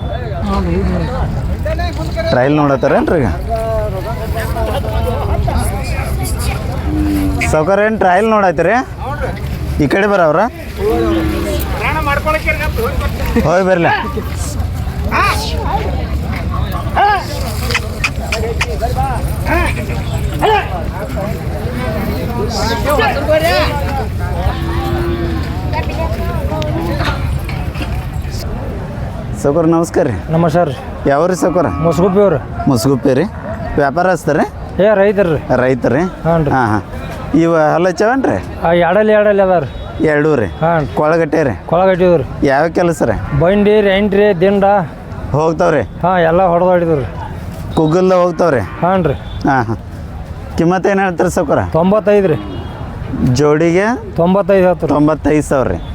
[SPEAKER 1] ಟ್ರಯಲ್ ನೋಡತ್ತಾರೇನು ರೀ ಈಗ? ಸೌಕರ್ಯ ಏನು ಟ್ರಯಲ್ ನೋಡತ್ತೀರಿ? ಈ ಕಡೆ ಬರವ್ರ ಹೋಗಿ ಬರಲ. ಸೌಕರ್ ನಮಸ್ಕಾರ ರೀ.
[SPEAKER 2] ನಮಸ್ಕಾರ ರೀ.
[SPEAKER 1] ಯಾವ್ರಿ ಸೌಕರ?
[SPEAKER 2] ಮೊಸಗುಪ್ಪಿ ಅವ್ರಿ.
[SPEAKER 1] ಮುಸ್ಗುಪ್ಪಿ ರೀ. ವ್ಯಾಪಾರ ಹಚ್ತಾರೆ?
[SPEAKER 2] ರೈತರು ರೀ.
[SPEAKER 1] ರೈತ ರೀ.
[SPEAKER 2] ಹಾಂ ರೀ.
[SPEAKER 1] ಹಾಂ ಹಾಂ ಇವು ಹಲ್ಲಚ್ಚವನ್ ರೀ?
[SPEAKER 2] ಎರಡಲ್ಲಿ ಅದಾವ ರೀ.
[SPEAKER 1] 2 ರೀ.
[SPEAKER 2] ಹಾಂ
[SPEAKER 1] ಕೊಳಗಟ್ಟೆ ರೀ.
[SPEAKER 2] ಕೊಳಗಟ್ಟಿದ್ರಿ.
[SPEAKER 1] ಯಾವ ಕೆಲಸ ರೀ?
[SPEAKER 2] ಬಂಡಿ ರೀ, ಎಂಟ್ರಿ, ದಿಂಡ
[SPEAKER 1] ಹೋಗ್ತಾವ್ರಿ.
[SPEAKER 2] ಹಾಂ ಎಲ್ಲ ಹೊಡೆದಾಡಿದ್ರಿ.
[SPEAKER 1] ಕುಗ್ಗಲ್ದ ಹೋಗ್ತಾವ್ರಿ.
[SPEAKER 2] ಹಾಂ ರೀ.
[SPEAKER 1] ಹಾಂ ಹಾಂ ಕಿಮ್ಮತ್ತು ಏನು ಹೇಳ್ತಾರೆ ಸೌಕರ?
[SPEAKER 2] 95 ರೀ.
[SPEAKER 1] ಜೋಡಿಗೆ
[SPEAKER 2] 95 ಹೇಳ್ತಾರೆ.
[SPEAKER 1] 95,000 ರೀ.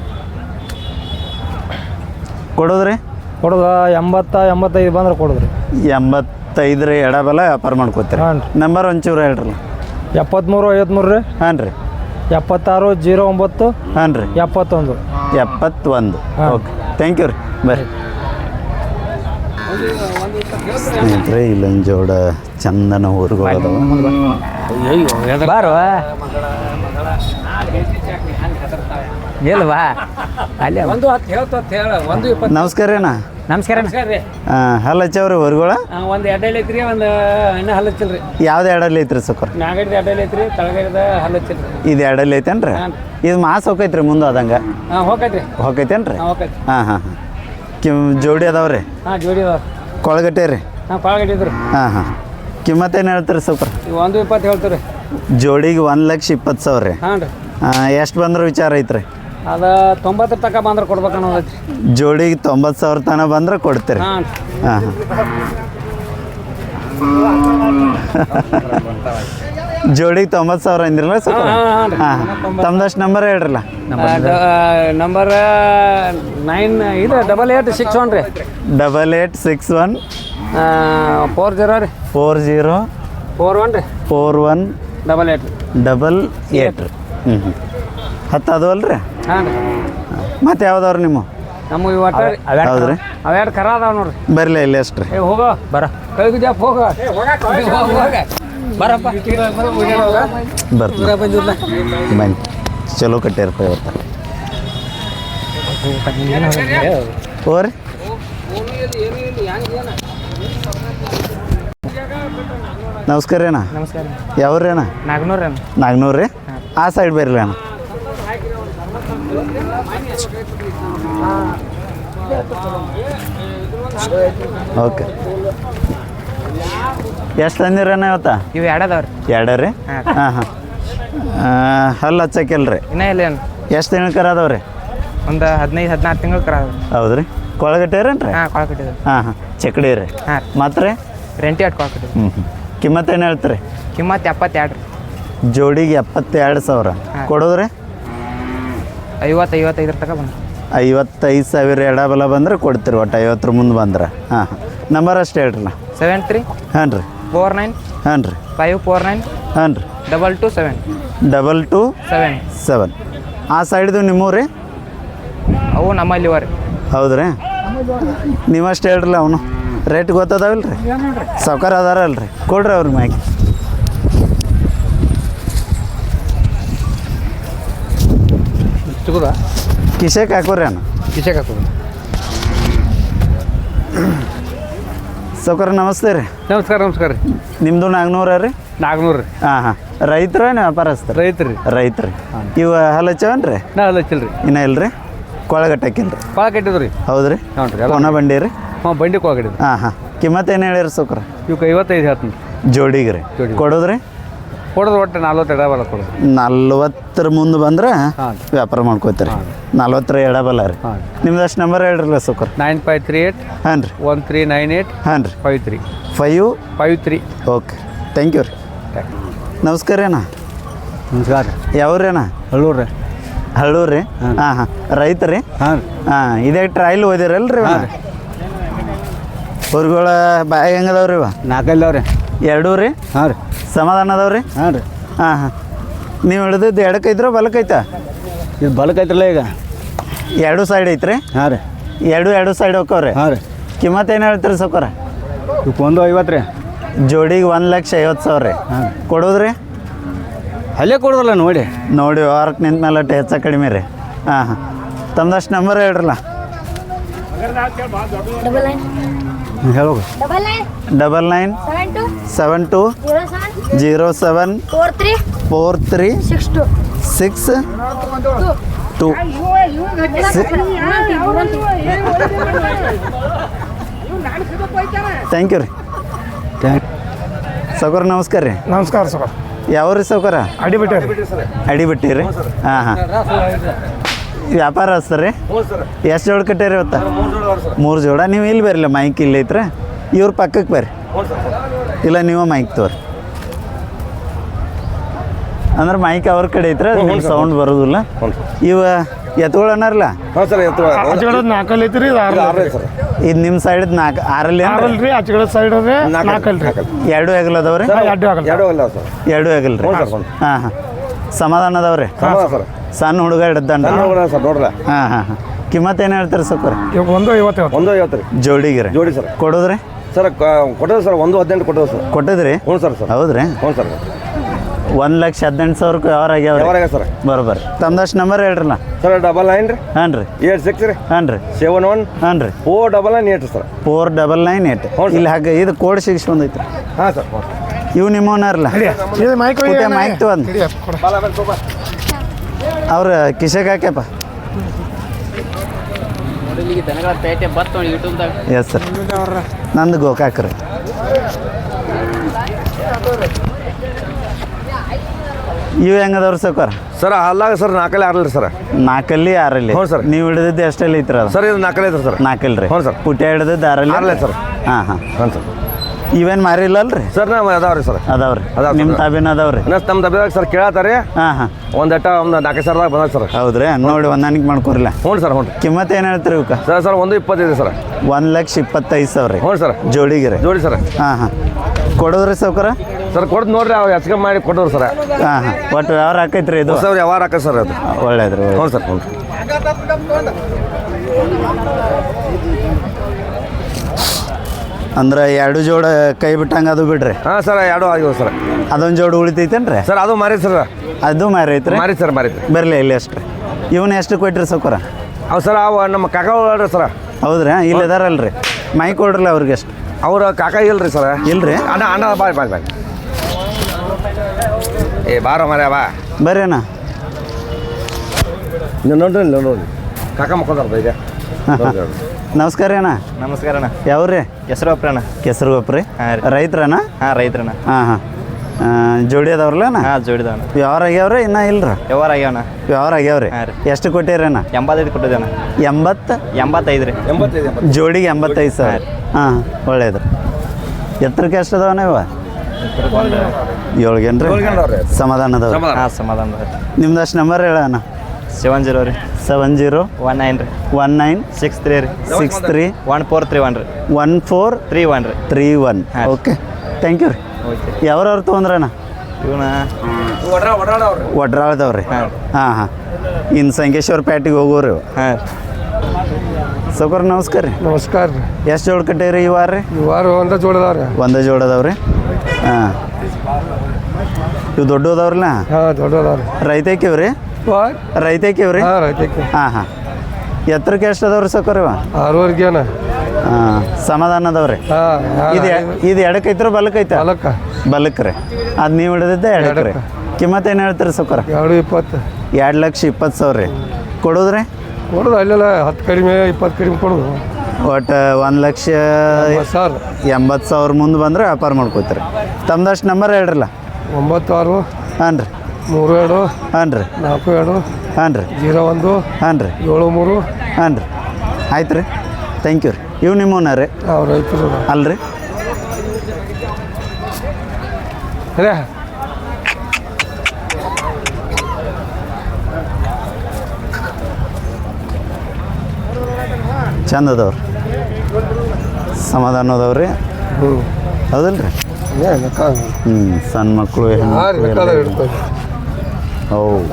[SPEAKER 1] ಕೊಡೋದ್ರಿ?
[SPEAKER 2] ಕೊಡೋದು 80-85 ಬಂದ್ರೆ ಕೊಡೋದ್ರಿ.
[SPEAKER 1] 85 ರೀ. ಎಡಬಲ ವ್ಯಾಪಾರ ಮಾಡ್ಕೋತೀರಿ.
[SPEAKER 2] ಹಾಂ ರೀ.
[SPEAKER 1] ನಂಬರ್ ಒಂಚೂರು ಹೇಳ್ರಲ್ಲ.
[SPEAKER 2] 73-53 ರೀ.
[SPEAKER 1] ಹಾಂ ರೀ
[SPEAKER 2] 76-09
[SPEAKER 1] ಹಾಂ ರೀ
[SPEAKER 2] 71.
[SPEAKER 1] 71.
[SPEAKER 2] ಹಾಂ.
[SPEAKER 1] ಓಕೆ ಥ್ಯಾಂಕ್ ಯು ರೀ. ಬರ್ರಿ ಸ್ನೇಹಿತರೆ, ಇಲ್ಲೊಂದು ಜೋಡ ಚಂದನ ಊರುಗಳು ಅದಾವ.
[SPEAKER 3] ಬಾರೋ ಇಲ್ವಾ ಅಲ್ಲೇ ಒಂದು 10 ಹೇಳ್ತ ಒಂದು 20.
[SPEAKER 1] ನಮಸ್ಕಾರ ರೀ ಅಣ್ಣ.
[SPEAKER 3] ನಮಸ್ಕಾರ ರೀ.
[SPEAKER 1] ಹಾಂ ಹಲ್ ಹಚ್ಚವ್ರಿ ಊರುಗಳ?
[SPEAKER 3] ಒಂದು ಎಡ್ಡಲ್ಲಿ ಐತ್ರಿ, ಒಂದು ಇನ್ನೂ ಹಲ್ಲು ಹಚ್ಚಿಲ್ರಿ.
[SPEAKER 1] ಯಾವ್ದು ಎಡಲ್ಲಿ ಐತ್ರಿ ಸೌಕರ್?
[SPEAKER 3] ಮ್ಯಾಗಡಿದ ಎಡ್ಡಲ್ಲಿ ಐತ್ರಿ, ತಳಗಡಿದ ಹಲ್ಲು ಹಚ್ಚಿಲ್ರಿ.
[SPEAKER 1] ಇದು ಎಡಲ್ಲಿ ಐತೇನು ರೀ? ಇದು ಮಾಸ್ ಹೋಗೈತ್ರಿ ಮುಂದೆ ಆದಂಗೆ?
[SPEAKER 3] ಹಾಂ ಹೋಗೈತ್ರಿ.
[SPEAKER 1] ಹೋಗೈತೇನು ರೀ?
[SPEAKER 3] ಹೋಗೈತಿ.
[SPEAKER 1] ಹಾಂ ಹಾಂ ಹಾಂ ಜೋಡಿ ಅದಾವ್ರಿ?
[SPEAKER 3] ಹಾಂ ಜೋಡಿ ಅದಾವ.
[SPEAKER 1] ಕೊಳಗಟ್ಟೆ ರೀ?
[SPEAKER 3] ಹಾಂ ಕೊಳಗಟ್ಟಿದ್ರಿ.
[SPEAKER 1] ಹಾಂ ಹಾಂ ಕಿಮ್ಮತ್ತು ಏನು ಹೇಳ್ತೀರಿ ಸೌಕರ್?
[SPEAKER 3] 120 ಹೇಳ್ತೀರಿ.
[SPEAKER 1] ಜೋಡಿಗೆ 1,20,000 ರೀ.
[SPEAKER 3] ಹಾಂ ರೀ.
[SPEAKER 1] ಎಷ್ಟು ಬಂದ್ರೆ ವಿಚಾರ ಐತ್ರಿ?
[SPEAKER 3] ಅದು 90 ತನಕ ಬಂದ್ರೆ ಕೊಡ್ಬೇಕು ಅನ್ನೋದೈತಿ.
[SPEAKER 1] ಜೋಡಿಗೆ 90,000 ತನಕ ಬಂದ್ರೆ ಕೊಡ್ತೀರಿ?
[SPEAKER 3] ಹಾಂ
[SPEAKER 1] ಹಾಂ ಹಾಂ ಜೋಡಿಗೆ 90,000 ಅಂದಿರಲ್ಲ ಸೌಕರ್?
[SPEAKER 3] ಹಾಂ
[SPEAKER 1] ಹಾಂ ತಮ್ದಷ್ಟು ನಂಬರ್ ಹೇಳ್ರಲ್ಲ.
[SPEAKER 3] ನಂಬರ್ 9 ಇದು 8861 ರೀ.
[SPEAKER 1] 8861
[SPEAKER 3] 40 ರೀ.
[SPEAKER 1] 40
[SPEAKER 3] 41 ರೀ.
[SPEAKER 1] 41
[SPEAKER 3] 88
[SPEAKER 1] ರೀ. ಹ್ಞೂ 10 ಅದವಲ್ಲ ರೀ?
[SPEAKER 3] ಹಾಂ ರೀ.
[SPEAKER 1] ಮತ್ತೆ ಯಾವ್ದವ್ರಿ ನಿಮ್ಮ?
[SPEAKER 3] ನಮ್ಮ ಇವತ್ತು
[SPEAKER 1] ಹೌದ್ರಿ?
[SPEAKER 3] ಅವೆರಡು ಕರ ಅದಾವ ನೋಡ್ರಿ.
[SPEAKER 1] ಬರಲಿ ಇಲ್ಲಿ ಎಷ್ಟು ರೀ?
[SPEAKER 3] ಹೋಗೋ ಬರ ಕೈಗೆ ಜಾಪ್ ಹೋಗ ಬರಪ್ಪ
[SPEAKER 1] ಬರ್ತೀನಿ ಬನ್ನಿ. ಚಲೋ ಕಟ್ಟಿರಪ್ಪ ಇವತ್ತು. ಓ ರೀ ನಮಸ್ಕಾರ ರೀ ಅಣ್ಣ.
[SPEAKER 3] ನಮಸ್ಕಾರ.
[SPEAKER 1] ಯಾವ್ರಿ ಅಣ್ಣ?
[SPEAKER 3] ನಾಗ್ನೂರು ಅಣ್ಣ.
[SPEAKER 1] ನಾಗ್ನೂರು ರೀ. ಆ ಸೈಡ್ ಬರ್ರಿ ಅಣ್ಣ. ಓಕೆ ಎಷ್ಟು ತಂದಿರಿ ಅಣ್ಣ ಇವತ್ತ?
[SPEAKER 3] ಇವು ಎರಡದವ್ರಿ.
[SPEAKER 1] 2 ರೀ? ಹಾಂ ಹಾಂ ಹಲ್ಲು ಹಚ್ಚಕ್ಕಿಲ್ರಿ?
[SPEAKER 3] ಇನ್ನೂ ಇಲ್ಲ ಏನು.
[SPEAKER 1] ಎಷ್ಟು ತಿಂಗಳು ಅದಾವ್ರಿ?
[SPEAKER 3] ಒಂದು 15-14 ತಿಂಗಳು ಕರ.
[SPEAKER 1] ಹೌದು ರೀ. ಕೊಳಗಟ್ಟೇರೇನು ರೀ?
[SPEAKER 3] ಹಾಂ ಕೊಳಕಟ್ಟಿದ್ದು.
[SPEAKER 1] ಹಾಂ ಹಾಂ ಚಕಡಿ ರೀ.
[SPEAKER 3] ಹಾಂ
[SPEAKER 1] ಮತ್ತೆ ರೀ?
[SPEAKER 3] ರೆಂಟಿ ಆಟ್ ಕೊಳಕಟ್ಟಿದ್ದು.
[SPEAKER 1] ಹ್ಞೂ ಹ್ಞೂ ಕಿಮ್ಮತ್ತು ಏನು ಹೇಳ್ತೀರಿ?
[SPEAKER 3] ಕಿಮ್ಮತ್ತು 72 ರೀ.
[SPEAKER 1] ಜೋಡಿಗೆ 72,000. ಕೊಡೋದ್ರಿ?
[SPEAKER 3] 50-55 ತನಕ ಬಂದು
[SPEAKER 1] 55,000 ಎಡಬಲ ಬಂದ್ರೆ ಕೊಡ್ತೀರಿ. ಒಟ್ಟು 50 ಮುಂದೆ ಬಂದ್ರೆ. ಹಾಂ ಹಾಂ ನಂಬರ್ ಅಷ್ಟು ಹೇಳ್ರಲ್ಲ.
[SPEAKER 3] 73
[SPEAKER 1] ಹಾಂ ರೀ
[SPEAKER 3] 49
[SPEAKER 1] ಹಾಂ ರೀ
[SPEAKER 3] 549
[SPEAKER 1] ಹಾಂ ರೀ
[SPEAKER 3] 227
[SPEAKER 1] 227. ಆ ಸೈಡ್ದು ನಿಮ್ಮೂರಿ?
[SPEAKER 3] ಅವು ನಮ್ಮಲ್ಲಿ ಇವ ರೀ.
[SPEAKER 1] ಹೌದು ರೀ. ನೀವಷ್ಟು ಹೇಳ್ರಲ್ಲ. ಅವನು ರೇಟ್ ಗೊತ್ತದಾವಿಲ್ಲ ರೀ? ಸಾವ್ಕಾರ ಅದಾರಲ್ಲ ರೀ? ಕೊಡ್ರಿ ಅವ್ರಿಗೆ ಮ್ಯಾಗೆ.
[SPEAKER 3] ಸಿಗುದಾ?
[SPEAKER 1] ಕಿಶೆಗೆ ಹಾಕೋರಿ ಅಣ್ಣ.
[SPEAKER 3] ಕಿಶೆಗೆ ಹಾಕೋದು.
[SPEAKER 1] ಸಾವ್ಕಾರ ನಮಸ್ತೆ ರೀ.
[SPEAKER 3] ನಮಸ್ಕಾರ ನಮಸ್ಕಾರ ರೀ.
[SPEAKER 1] ನಿಮ್ಮದು ನಾಗ್ನೂರ ರೀ?
[SPEAKER 3] ನಾಗ್ನೂರು ರೀ.
[SPEAKER 1] ಹಾಂ ಹಾಂ ರೈತರ ವ್ಯಾಪಾರಸ್ತಾರೆ
[SPEAKER 2] ರೈತ್ರಿ
[SPEAKER 1] ರೈತ್ರಿ ಇವು ಹಲಚವನ್ರಿ
[SPEAKER 2] ನಾ ಹಚ್ಚಿಲ್ರಿ
[SPEAKER 1] ಇನ್ನೂ ಇಲ್ರಿ ಕೊಳಗಟ್ಟಕ್ಕಿಲ್ರಿ
[SPEAKER 2] ಕೊಳ ಕಟ್ಟಿದ್ರಿ
[SPEAKER 1] ಹೌದ್ರಿ
[SPEAKER 2] ಹ್ಞೂ ರೀ
[SPEAKER 1] ಒಣ ಬಂಡಿ ರೀ
[SPEAKER 2] ಹಾಂ ಬಂಡಿ ಕೊಳ ಕಟ್ಟಿದ್ರಿ
[SPEAKER 1] ಹಾಂ ಹಾಂ ಕಿಮ್ಮತ್ತು ಏನು ಹೇಳಿರಿ ಸೌಕರ
[SPEAKER 2] ಇವಕ್ಕೆ 55 ಹೇಳ್ತೀನಿ
[SPEAKER 1] ಜೋಡಿಗೆ ರೀ
[SPEAKER 2] ಜೋಡಿ.
[SPEAKER 1] ಕೊಡೋದ್ರಿ
[SPEAKER 2] ಕೊಡೋದು ಒಟ್ಟು 40 ಎಡಬಲ ಕೊಡೋದು
[SPEAKER 1] 40 ಮುಂದೆ ಬಂದ್ರೆ
[SPEAKER 2] ಹಾಂ.
[SPEAKER 1] ವ್ಯಾಪಾರ ಮಾಡ್ಕೋತೀರಿ 40 ಎಡಬಲ್ಲ ರೀ
[SPEAKER 2] ಹಾಂ.
[SPEAKER 1] ನಿಮ್ದು ಅಷ್ಟು ನಂಬರ್ ಹೇಳ್ರಲ್ಲ ಸೌಕರ್
[SPEAKER 2] 9538
[SPEAKER 1] ಹಾಂ ರೀ
[SPEAKER 2] 1398
[SPEAKER 1] ಹಾಂ ರೀ
[SPEAKER 2] 53
[SPEAKER 1] 53 ಓಕೆ ಥ್ಯಾಂಕ್ ಯು ರೀ ನಮಸ್ಕಾರ ರೀ ಅಣ್ಣ
[SPEAKER 2] ನಮಸ್ಕಾರ
[SPEAKER 1] ಯಾವ್ರೇನ
[SPEAKER 2] ಹಳ್ಳೂರು ರೀ
[SPEAKER 1] ಹಳ್ಳೂರು ರೀ ಹಾಂ ಹಾಂ ರೈತರಿ
[SPEAKER 2] ಹಾಂ ರೀ
[SPEAKER 1] ಹಾಂ ಇದೇ ಟ್ರೈಲ್ ಓದಿರಲ್ರಿ ಊರುಗಳ ಬಾಯಿ ಹೆಂಗದವ್ರಿ ಇವ
[SPEAKER 2] 4 ಅಲ್ಲವ್ರಿ
[SPEAKER 1] ಎರಡೂ ರೀ
[SPEAKER 2] ಹಾಂ ರೀ
[SPEAKER 1] ಸಮಾಧಾನ ಅದಾವ್ರಿ
[SPEAKER 2] ಹಾಂ ರೀ
[SPEAKER 1] ಹಾಂ ಹಾಂ ನೀವು ಹಿಡಿದಿದ್ದು ಎಡಕ್ಕೈತ್ರೋ ಬಲಕ್ಕೈತಾ
[SPEAKER 2] ಇದು ಬಲಕ್ ಐತ್ರಲ್ಲ ಈಗ
[SPEAKER 1] ಎರಡು ಸೈಡ್ ಐತ್ರಿ
[SPEAKER 2] ಹಾಂ ರೀ
[SPEAKER 1] ಎರಡು ಸೈಡ್ ಹೋಕ್ಕವ್ರಿ
[SPEAKER 2] ಹಾಂ ರೀ
[SPEAKER 1] ಕಿಮ್ಮತ್ತು ಏನು ಹೇಳ್ತೀರಿ ಸೌಕರ
[SPEAKER 2] ಇವಕ್ಕೆ 150 ರೀ
[SPEAKER 1] ಜೋಡಿಗೆ 1,50,000 ರೀ
[SPEAKER 2] ಹಾಂ
[SPEAKER 1] ಕೊಡೋದ್ರಿ
[SPEAKER 2] ಅಲ್ಲೇ ಕೊಡೋದಲ್ಲ ನೋಡಿ
[SPEAKER 1] ನೋಡಿ ವಾರಕ್ಕೆ ನಿಂತ ಮೇಲೆ ಒಟ್ಟು ಹೆಚ್ಚು ಕಡಿಮೆ ರೀ ಹಾಂ ಹಾಂ ತಮ್ದಷ್ಟು ನಂಬರ್ ಹೇಳ್ರಲ್ಲ
[SPEAKER 2] ಹೇಳೋದು
[SPEAKER 1] 99 72 07 43 6 2 ಥ್ಯಾಂಕ್ ಯು ರೀ ಸೌಕರ್ ನಮಸ್ಕಾರ ರೀ
[SPEAKER 2] ನಮಸ್ಕಾರ ಸರ್
[SPEAKER 1] ಯಾವ ರೀ ಸೌಕರ
[SPEAKER 2] ಅಡಿಬಿಟ್ಟೆ
[SPEAKER 1] ಅಡಿಬಿಟ್ಟಿ ರೀ ಹಾಂ ಹಾಂ ವ್ಯಾಪಾರ ಹಚ್ತಾರೆ ರೀ ಎಷ್ಟು ಜೋಡ ಕಟ್ಟೇರಿ ಇವತ್ತು 3 ಜೋಡ ನೀವು ಇಲ್ಲಿ ಬರಲ್ಲ ಮೈಕ್ ಇಲ್ಲಿ ಐತ್ರಿ ಇವ್ರ ಪಕ್ಕಕ್ಕೆ ಬರ್ರಿ ಇಲ್ಲ ನೀವು ಮೈಕ್ ತೋರಿ ಅಂದ್ರೆ ಮೈಕ್ ಅವ್ರ ಕಡೆ ಐತ್ರ ಸೌಂಡ್ ಬರೋದಿಲ್ಲ ಇವ ಎತ್ಗಳು ಅನ್ನರಲ್ಲ
[SPEAKER 4] ಹಾಂ ಸರ್ ಎತ್ತು
[SPEAKER 2] ನಾಲ್ಕಲ್ಲಿ ಐತ್ರಿ
[SPEAKER 4] ಸರ್
[SPEAKER 1] ಇದು ನಿಮ್ಮ ಸೈಡ್ 4 6
[SPEAKER 2] ಆರಲ್ರಿ ಆಚೆಗಡೆ ಸೈಡ್ ಅದೇ ನಾಲ್ಕಲ್ರಿ
[SPEAKER 1] ಎರಡು ಹೆಗಲ್ ಅದಾವ್ರಿ
[SPEAKER 4] ಎರಡೂ ಇಲ್ಲ ಸರ್
[SPEAKER 1] ಎರಡು ಹೆಗಲ್ ರೀ ಹಾಂ ಹಾಂ ಸಮಾಧಾನ ಅದಾವ್ರಿ
[SPEAKER 4] ಸಮಾಧಾನ ಸರ್
[SPEAKER 1] ಸಣ್ಣ ಹುಡುಗ ಹಿಡ್ದಂಡ
[SPEAKER 4] ನೋಡ್ರಿ ಸರ್ ನೋಡ್ರಲ್ಲ
[SPEAKER 1] ಹಾಂ ಹಾಂ ಹಾಂ ಕಿಮ್ಮತ್ತು ಏನು ಹೇಳ್ತಾರೆ ಸೌಕರ್
[SPEAKER 2] ಇವಾಗ 150
[SPEAKER 4] 150 ರೀ
[SPEAKER 1] ಜೋಡಿಗೆ ರೀ
[SPEAKER 4] ಜೋಡಿ ಸರ್
[SPEAKER 1] ಕೊಡೋದ್ರಿ
[SPEAKER 4] ಸರ್ ಕೊಟ್ಟೋದು ಸರ್ 118 ಕೊಟ್ಟೋದು ಸರ್
[SPEAKER 1] ಕೊಟ್ಟಿದ್ರಿ
[SPEAKER 4] ಹ್ಞೂ ಸರ್ ಸರ್
[SPEAKER 1] ಹೌದ್ರಿ
[SPEAKER 4] ಹ್ಞೂ ಸರ್
[SPEAKER 1] 1,18,000 ವ್ಯವಹಾರ ಆಗ್ಯಾವ್ರಿ
[SPEAKER 4] ಯಾವಾಗ ಸರ್
[SPEAKER 1] ಬರೋಬ್ಬರಿ ತಮ್ದಷ್ಟು ನಂಬರ್ ಹೇಳ್ರಲ್ಲ
[SPEAKER 4] ಸರ್ 99 ರೀ
[SPEAKER 1] ಹಾಂ ರೀ
[SPEAKER 4] 86 ರೀ
[SPEAKER 1] ಹಾಂ ರೀ
[SPEAKER 4] 71
[SPEAKER 1] ಹಾಂ ರೀ
[SPEAKER 4] 499 ಸರ್
[SPEAKER 1] 4998 ಇಲ್ಲಿ ಹಾಗೆ ಇದು ಕೋಡ್ ಸಿಕ್ಸ್ ಬಂದೈತ್ರಿ
[SPEAKER 4] ಹಾಂ ಸರ್
[SPEAKER 1] ಇವು ನಿಮ್ಮವನಾರಲ್ಲ ಮೈಕ್ ತಗೊಂಡ್ ಅವ್ರ ಕಿಶೆಗೆ ಹಾಕ್ಯಪ್ಪ ಎಸ್ ಸರ್ ನಂದು ಗೋಕಾಕ್ ರೀ ಇವು ಹೆಂಗದವ್ರಿ ಸೌಕರ್
[SPEAKER 4] ಸರ್ ಅಲ್ಲಾಗ ಸರ್ 4 ಆರಲ್ಲ ಸರ್
[SPEAKER 1] 4 6
[SPEAKER 4] ಹ್ಞೂ ಸರ್.
[SPEAKER 1] ನೀವು ಹಿಡಿದಿದ್ದು ಎಷ್ಟಲ್ಲಿ ಐತ್ರ ಅದು
[SPEAKER 4] ಸರ್ ಇದು 4 ಐತೆ ಸರ್
[SPEAKER 1] 4 ರೀ
[SPEAKER 4] ಹ್ಞೂ ಸರ್.
[SPEAKER 1] ಪುಟ್ಯ ಹಿಡಿದಿದ್ದು 6
[SPEAKER 4] ಆರಲ್ಲೇ ಸರ್.
[SPEAKER 1] ಹಾಂ ಹಾಂ
[SPEAKER 4] ಹಾಂ ಸರ್
[SPEAKER 1] ಇವೇನು ಮಾರಿಲ್ಲಲ್ರಿ
[SPEAKER 4] ಸರ್ ನಾವು ಅದಾವ್ರಿ ಸರ್
[SPEAKER 1] ಅದಾವ್ರಿ
[SPEAKER 4] ಅದಾವ್
[SPEAKER 1] ನಿಮ್ಮ
[SPEAKER 4] ಸರ್.
[SPEAKER 1] ತಾಬಿನ ಅದಾವ್ರಿ
[SPEAKER 4] ಇನ್ನಷ್ಟು ನಮ್ಮ ದಬ್ಬದಾಗ ಸರ್ ಕೇಳತ್ತಾರೆ
[SPEAKER 1] ಹಾಂ ಹಾಂ
[SPEAKER 4] ಒಂದು 4 ಸಾವಿರದಾಗ ಬಂದ ಸರ್
[SPEAKER 1] ಹೌದ್ರಿ ನೋಡಿ ಹೊಂದಾಣಿಕೆ ಮಾಡ್ಕೊರಿಲ್ಲ
[SPEAKER 4] ಹ್ಞೂ ಸರ್ ಹ್ಞೂ
[SPEAKER 1] ಕಿಮ್ಮತ್ತು ಏನು ಹೇಳ್ತೀರಿ ಇವಕ್ಕೆ
[SPEAKER 4] ಸರ್ 125 ಸರ್
[SPEAKER 1] 1,25,000 ರೀ
[SPEAKER 4] ಹ್ಞೂ ಸರ್
[SPEAKER 1] ಜೋಡಿಗೆ ರೀ
[SPEAKER 4] ಜೋಡಿ ಸರ್
[SPEAKER 1] ಹಾಂ ಹಾಂ ಕೊಡೋದ್ರಿ ಸೌಕರ
[SPEAKER 4] ಸರ್ ಕೊಡ್ದು ನೋಡ್ರಿ ಅವ್ರು ಹೆಚ್ಚಿಗೆ ಮಾಡಿ ಕೊಟ್ಟವ್ರು ಸರ್
[SPEAKER 1] ಹಾಂ ಹಾಂ ಒಟ್ಟು ವ್ಯವಹಾರ ಆಕೈತ್ರಿ ಇದು
[SPEAKER 4] ಸರ್ ಯಾವಾರ ಹಾಕ ಸರ್ ಅದು
[SPEAKER 1] ಒಳ್ಳೇದ್ರಿ
[SPEAKER 4] ಹ್ಞೂ ಸರ್ ಹ್ಞೂ
[SPEAKER 1] ಅಂದ್ರೆ ಎರಡು ಜೋಡ ಕೈ ಬಿಟ್ಟಂಗೆ ಅದು ಬಿಡ್ರಿ
[SPEAKER 4] ಹಾಂ ಸರ್ ಎರಡು ಆಗಿವೆ ಸರ್
[SPEAKER 1] ಅದೊಂದು ಜೋಡು ಉಳಿತೈತೇನ್ರಿ
[SPEAKER 4] ಸರ್ ಅದು ಮಾರಿ ಸರ್
[SPEAKER 1] ಅದು ಮಾರಿ ಐತ್ರಿ
[SPEAKER 4] ಮಾರಿ ಸರ್ ಮಾರಿ
[SPEAKER 1] ಬರಲಿ ಇಲ್ಲಿ ಅಷ್ಟು ರೀ ಇವನ್ನ ಎಷ್ಟು ಕೊಟ್ರಿ ಸೌಕರ
[SPEAKER 4] ಅವು ಸರ್ ಅವು ನಮ್ಮ ಕಾಕ ಹೇಳ್ರಿ ಸರ್
[SPEAKER 1] ಹೌದ್ರಿ ಇಲ್ಲಿ ಇದಾರಲ್ರಿ ಮೈ ಕೊಡ್ರಲ್ಲ ಅವ್ರಿಗೆ ಎಷ್ಟು
[SPEAKER 4] ಅವ್ರ ಕಾಕ ಇಲ್ರಿ ಸರ್
[SPEAKER 1] ಇಲ್ರಿ
[SPEAKER 4] ಅಣ್ಣ ಅಣ್ಣ ಬಾಯ್ ಬಾಯ್ ಬಾಯ್ ಏ ಬಾರ ಮರ ಬಾ
[SPEAKER 1] ಬರ್ರಿ ಅಣ್ಣ
[SPEAKER 4] ನೀವು ನೋಡ್ರಿ ನೋಡ್ರಿ ಕಾಕ ಮಕ್ಕೊಂಡ್ರ ಈಗ
[SPEAKER 1] ನಮಸ್ಕಾರ ರೀ ಅಣ್ಣ
[SPEAKER 3] ನಮಸ್ಕಾರ ಅಣ್ಣ
[SPEAKER 1] ಯಾವ್ರಿ
[SPEAKER 3] ಹೆಸರು ಅಣ್ಣ
[SPEAKER 1] ಕೆಸರುಗೊಪ್ಪ ರೀ
[SPEAKER 3] ಹಾಂ ರೀ.
[SPEAKER 1] ರೈತ್ರಣ್ಣ
[SPEAKER 3] ಹಾಂ ರೈತರಣ್ಣ
[SPEAKER 1] ಹಾಂ ಹಾಂ ಜೋಡಿ ಅದಾವ್ರಲ್ಲ ಅಣ್ಣ
[SPEAKER 3] ಹಾಂ ಜೋಡಿದವಣ್ಣ
[SPEAKER 1] ವ್ಯವಹಾರ ಆಗ್ಯಾವ್ರಿ ಇನ್ನೂ ಇಲ್ರಿ
[SPEAKER 3] ವ್ಯವಹಾರ ಆಗ್ಯಾವಣ್ಣ
[SPEAKER 1] ವ್ಯವಹಾರ ಆಗ್ಯಾವ್ರಿ
[SPEAKER 3] ಹಾಂ ರೀ.
[SPEAKER 1] ಎಷ್ಟು ಕೊಟ್ಟಿರಣ್ಣ
[SPEAKER 3] 85 ಕೊಟ್ಟಿದ್ದಣ್ಣ
[SPEAKER 1] 80
[SPEAKER 3] 85 ರೀ
[SPEAKER 4] 85
[SPEAKER 1] ಜೋಡಿಗೆ 85,000 ಹಾಂ ಒಳ್ಳೇದು ಎತ್ತರಕ್ಕೆ ಎಷ್ಟು ಅದಾವ ನೀವು 7 ಗೇನ್ರಿ
[SPEAKER 4] ಏಳ್ಗೇನ್ರಿ.
[SPEAKER 1] ಸಮಾಧಾನ ಅದಾವ
[SPEAKER 4] ಸಮಾಧಾನ.
[SPEAKER 3] ಹಾಂ ಸಮಾಧಾನ ರೀ
[SPEAKER 1] ನಿಮ್ದು ಅಷ್ಟು ನಂಬರ್ ಹೇಳಣ್ಣ
[SPEAKER 3] 70 ರೀ
[SPEAKER 1] 70
[SPEAKER 3] 19 ರೀ
[SPEAKER 1] 19
[SPEAKER 3] 63 ರೀ
[SPEAKER 1] 63
[SPEAKER 3] 1431 ರೀ
[SPEAKER 1] 1431
[SPEAKER 3] 31 ಹಾಂ.
[SPEAKER 1] ಓಕೆ ಥ್ಯಾಂಕ್ ಯು ರೀ
[SPEAKER 3] ಓಕೆ
[SPEAKER 1] ಯಾವ್ರವ್ರು ತೊಗೊಂಡ್ರಣ್ಣ
[SPEAKER 3] ಇವನ
[SPEAKER 1] ಒಡ್ರಾಳದವ್ರಿ
[SPEAKER 3] ಹಾಂ.
[SPEAKER 1] ಹಾಂ ಹಾಂ ಇನ್ನು ಸಂಕೇಶ್ವರ ಪೇಟೆಗೆ ಹೋಗೋರಿ ಇವು.
[SPEAKER 3] ಹಾಂ
[SPEAKER 1] ಸೌಕರ್ ನಮಸ್ಕಾರ ರೀ
[SPEAKER 2] ನಮಸ್ಕಾರ ರೀ
[SPEAKER 1] ಎಷ್ಟು ಜೋಡ್ ಕಟ್ಟೇರಿ ಈ ವಾರ ರೀ
[SPEAKER 2] ಈ ವಾರ ಒಂದ ಜೋಡದವ್ರಿ
[SPEAKER 1] ಒಂದೇ ಜೋಡ್ ಅದಾವ್ರಿ ಹಾಂ ಇವು ದೊಡ್ಡ ಅದಾವ್ರಲ್ಲ
[SPEAKER 2] ಹಾಂ ದೊಡ್ಡದವ್ರಿ
[SPEAKER 1] ರೈತಕ್ಕಿವ್ರಿ ರೈತಕ್ಕಿವ್ರಿ
[SPEAKER 2] ಹಾಂ ರೈತಕ್ಕೆ
[SPEAKER 1] ಹಾಂ ಹಾಂ ಎತ್ತರಕ್ಕೆ ಎಷ್ಟು ಅದಾವ್ರಿ ಸೌಕರ್ ಇವ
[SPEAKER 2] 6ವರೆಗೇನ
[SPEAKER 1] ಹಾಂ ಸಮಾಧಾನದವ್ರಿ ಇದು ಎಡಕ್ಕೈತ್ರ ಬಲಕ್ಕೈತ ಬಲಕ್ಕೆ ರೀ ಅದು ನೀವು ಹಿಡಿದಿದ್ದೆ ಎಡಕ್ಕೆ ರೀ ಕಿಮ್ಮತ್ತು ಏನು ಹೇಳ್ತೀರಿ ಸೌಕರ 2,20,000 ರೀ ಕೊಡೋದ್ರಿ
[SPEAKER 5] ಕೊಡೋದು ಅಲ್ಲೆಲ್ಲ 10 ಕಡಿಮೆ 20 ಕಡಿಮೆ ಕೊಡೋದು
[SPEAKER 1] ಒಟ್ಟು 1,80,000 ಮುಂದೆ ಬಂದ್ರೆ ವ್ಯಾಪಾರ ಮಾಡ್ಕೋತೀರಿ ತಮ್ದಷ್ಟು ನಂಬರ್ ಹೇಳ್ರಲ್ಲ
[SPEAKER 5] 96
[SPEAKER 1] ಹಾಂ ರೀ
[SPEAKER 5] 32
[SPEAKER 1] ಹಾಂ ರೀ
[SPEAKER 5] 42
[SPEAKER 1] ಹಾಂ ರೀ
[SPEAKER 5] 01
[SPEAKER 1] ಹಾಂ ರೀ
[SPEAKER 5] 73
[SPEAKER 1] ಹಾಂ ರೀ ಆಯ್ತು ರೀ ಥ್ಯಾಂಕ್ ಯು ರೀ ಇವು ನಿಮ್ಮವನ್ನ ರೀ
[SPEAKER 5] ಅವ್ರು ರೈತರು
[SPEAKER 1] ಅಲ್ರಿ
[SPEAKER 5] ಅದೇ
[SPEAKER 1] ಚಂದ ಅದಾವ್ರಿ ಸಮಾಧಾನ ಅದಾವ್ರಿ ಹೌದಲ್ಲ ರೀ ಸಣ್ಣ ಮಕ್ಕಳು ಹೌದು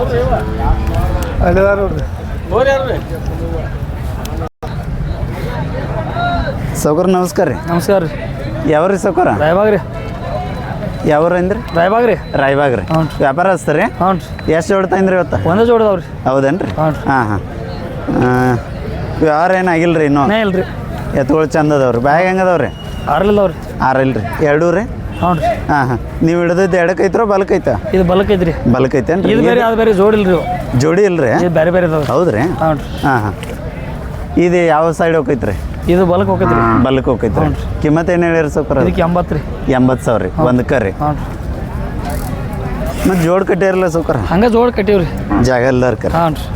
[SPEAKER 1] ಸೌಕರ್ ನಮಸ್ಕಾರ ರೀ
[SPEAKER 2] ನಮಸ್ಕಾರ ರೀ
[SPEAKER 1] ಯಾವ್ರಿ ಸೌಕರ
[SPEAKER 2] ರಾಯಬಾಗ್ ರೀ
[SPEAKER 1] ಯಾವ್ರ ಅಂದ್ರಿ
[SPEAKER 2] ರಾಯಬಾಗ್ ರೀ
[SPEAKER 1] ರಾಯಬಾಗ್ ರೀ
[SPEAKER 2] ಹ್ಞೂ
[SPEAKER 1] ವ್ಯಾಪಾರ ಹಚ್ತಾರೆ
[SPEAKER 2] ಹ್ಞೂ ರೀ
[SPEAKER 1] ಎಷ್ಟು ಜೋಡ್ತಾಯಿನ್ರಿ ಇವತ್ತು
[SPEAKER 2] ಒಂದೇ ಜೋಡದವ್ರಿ
[SPEAKER 1] ಹೌದೇನು ರೀ
[SPEAKER 2] ಹ್ಞೂ
[SPEAKER 1] ಹಾಂ ಹಾಂ ವ್ಯವಹಾರ ಏನಾಗಿಲ್ಲ ರೀ ಇನ್ನೂ
[SPEAKER 2] ಇಲ್ಲ ರೀ
[SPEAKER 1] ಎತ್ತುಗಳು ಚಂದ ಅದಾವ್ರಿ ಬ್ಯಾಗ್ ಹೆಂಗೆ ಅದಾವ್ರಿ
[SPEAKER 2] 6 ಇಲ್ಲವ್ರಿ
[SPEAKER 1] 6 ಇಲ್ಲ ರೀ 2 ರೀ
[SPEAKER 2] ಹ್ಞೂ ರೀ
[SPEAKER 1] ಹಾಂ ಹಾಂ ನೀವು ಹಿಡಿದಿದ್ದು ಎಡಕ್ಕೈತ್ರೋ ಬಲಕ್ಕೈತಾ
[SPEAKER 2] ಇದು ಬಲಕ್ಕೈತ್ರಿ
[SPEAKER 1] ಬಲಕ್ಕೈತೇನು
[SPEAKER 2] ಇದು ಬೇರೆ ಅದು ಬೇರೆ ಜೋಡಿ ಇಲ್ರಿ
[SPEAKER 1] ಜೋಡಿ ಇಲ್ರಿ
[SPEAKER 2] ಇದು ಬೇರೆ ಬೇರೆ ಇದಾವ್ರಿ
[SPEAKER 1] ಹೌದ್ರಿ
[SPEAKER 2] ಹ್ಞೂ ರೀ
[SPEAKER 1] ಹಾಂ ಹಾಂ ಇದು ಯಾವ ಸೈಡ್ ಹೋಗೈತ್ರಿ
[SPEAKER 2] ಇದು ಬಲಕ್ಕೆ ಹೋಗೈತ್ರಿ
[SPEAKER 1] ಬಲಕ್ಕೆ ಹೋಗೈತ್ರಿ ಕಿಮ್ಮತ್ತು ಏನು ಹೇಳಿರಿ ಸೌಕರ
[SPEAKER 2] ಇದಕ್ಕೆ 80 ರೀ
[SPEAKER 1] 80,000 ರೀ ಒಂದಕ್ಕೆ ರೀ
[SPEAKER 2] ಹ್ಞೂ ರೀ
[SPEAKER 1] ಮತ್ತು ಜೋಡ್ ಕಟ್ಟಿರಲ್ಲ ಸೌಕರ
[SPEAKER 2] ಹಂಗೆ ಜೋಡಿ ಕಟ್ಟೀವ್ರಿ
[SPEAKER 1] ಜಾಗ ಇಲ್ದಾರ್ಕರ
[SPEAKER 2] ಹ್ಞೂ ರೀ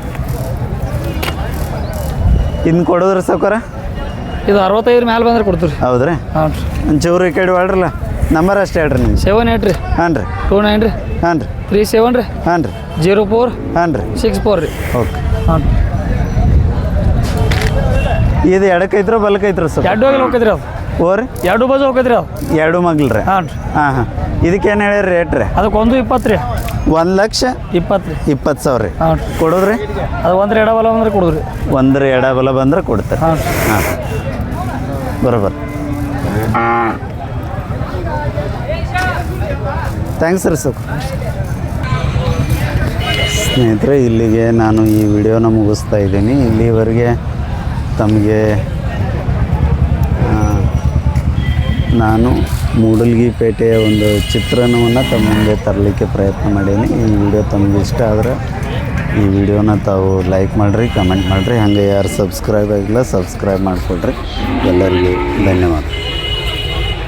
[SPEAKER 1] ಇನ್ನು ಕೊಡೋದ್ರಿ ಸೌಕರ
[SPEAKER 2] ಇದು 65 ಮ್ಯಾಲೆ ಬಂದ್ರೆ ಕೊಡ್ತೀವಿ ರೀ
[SPEAKER 1] ಹೌದ್ರಿ
[SPEAKER 2] ಹ್ಞೂ ರೀ
[SPEAKER 1] ಒಂಚೂರು ಈ ಕಡೆ ಹೇಳ್ರಲ್ಲ ನಂಬರ್ ಅಷ್ಟೇ ಹೇಳ್ರಿ ನಿಮ್ಗೆ
[SPEAKER 2] 78 ರೀ
[SPEAKER 1] ಹಾಂ ರೀ
[SPEAKER 2] 29 ರೀ
[SPEAKER 1] ಹಾಂ ರೀ
[SPEAKER 2] 37 ರೀ
[SPEAKER 1] ಹಾಂ ರೀ
[SPEAKER 2] 04
[SPEAKER 1] ಹಾಂ ರೀ
[SPEAKER 2] 64 ರೀ
[SPEAKER 1] ಓಕೆ
[SPEAKER 2] ಹಾಂ ರೀ
[SPEAKER 1] ಇದು ಎಡಕ್ಕೈತ್ರೋ ಬಲಕ್ಕೈತ್ರೋ ಸರ್
[SPEAKER 2] 2 ಹೋಗಿ ಹೋಗೈತ್ರಿ ಅದು
[SPEAKER 1] ಓರಿ
[SPEAKER 2] 2 ಬಾಜು ಹೋಗೈತ್ರಿ ಅದು
[SPEAKER 1] 2 ಮಗ್ಳು ರೀ
[SPEAKER 2] ಹಾಂ ರೀ
[SPEAKER 1] ಹಾಂ ಹಾಂ ಇದಕ್ಕೇನು ಹೇಳಿರಿ ರೇಟ್ ರೀ
[SPEAKER 2] ಅದಕ್ಕೆ 1,20,000 ರೀ
[SPEAKER 1] 1,20,000
[SPEAKER 2] ರೀ
[SPEAKER 1] 20,000 ರೀ
[SPEAKER 2] ಹಾಂ ರೀ
[SPEAKER 1] ಕೊಡೋದ್ರಿ
[SPEAKER 2] ಅದು ಒಂದ್ರ ಎಡಬಲ ಅಂದ್ರೆ ಕೊಡೋದ್ರಿ
[SPEAKER 1] ಒಂದ್ರ ಎಡಬಲ ಬಂದ್ರೆ ಕೊಡ್ತಾರೆ
[SPEAKER 2] ಹಾಂ ರೀ
[SPEAKER 1] ಹಾಂ ಬರೋಬರ್ ಥ್ಯಾಂಕ್ಸ್ ರೀ ಸರ್ ಸ್ನೇಹಿತರೆ ಇಲ್ಲಿಗೆ ನಾನು ಈ ವಿಡಿಯೋನ ಮುಗಿಸ್ತಾ ಇದ್ದೀನಿ ಇಲ್ಲಿವರೆಗೆ ತಮಗೆ ನಾನು ಮೂಡಲ್ಗಿಪೇಟೆಯ ಒಂದು ಚಿತ್ರಣವನ್ನು ತಮ್ಮ ಮುಂದೆ ತರಲಿಕ್ಕೆ ಪ್ರಯತ್ನ ಮಾಡೀನಿ ಈ ವಿಡಿಯೋ ತಮಗೆ ಇಷ್ಟ ಆದರೆ ಈ ವಿಡಿಯೋನ ತಾವು ಲೈಕ್ ಮಾಡಿರಿ ಕಮೆಂಟ್ ಮಾಡಿರಿ ಹಾಗೆ ಯಾರು ಸಬ್ಸ್ಕ್ರೈಬ್ ಆಗಿಲ್ಲ ಸಬ್ಸ್ಕ್ರೈಬ್ ಮಾಡಿಕೊಡ್ರಿ ಎಲ್ಲರಿಗೂ ಧನ್ಯವಾದ.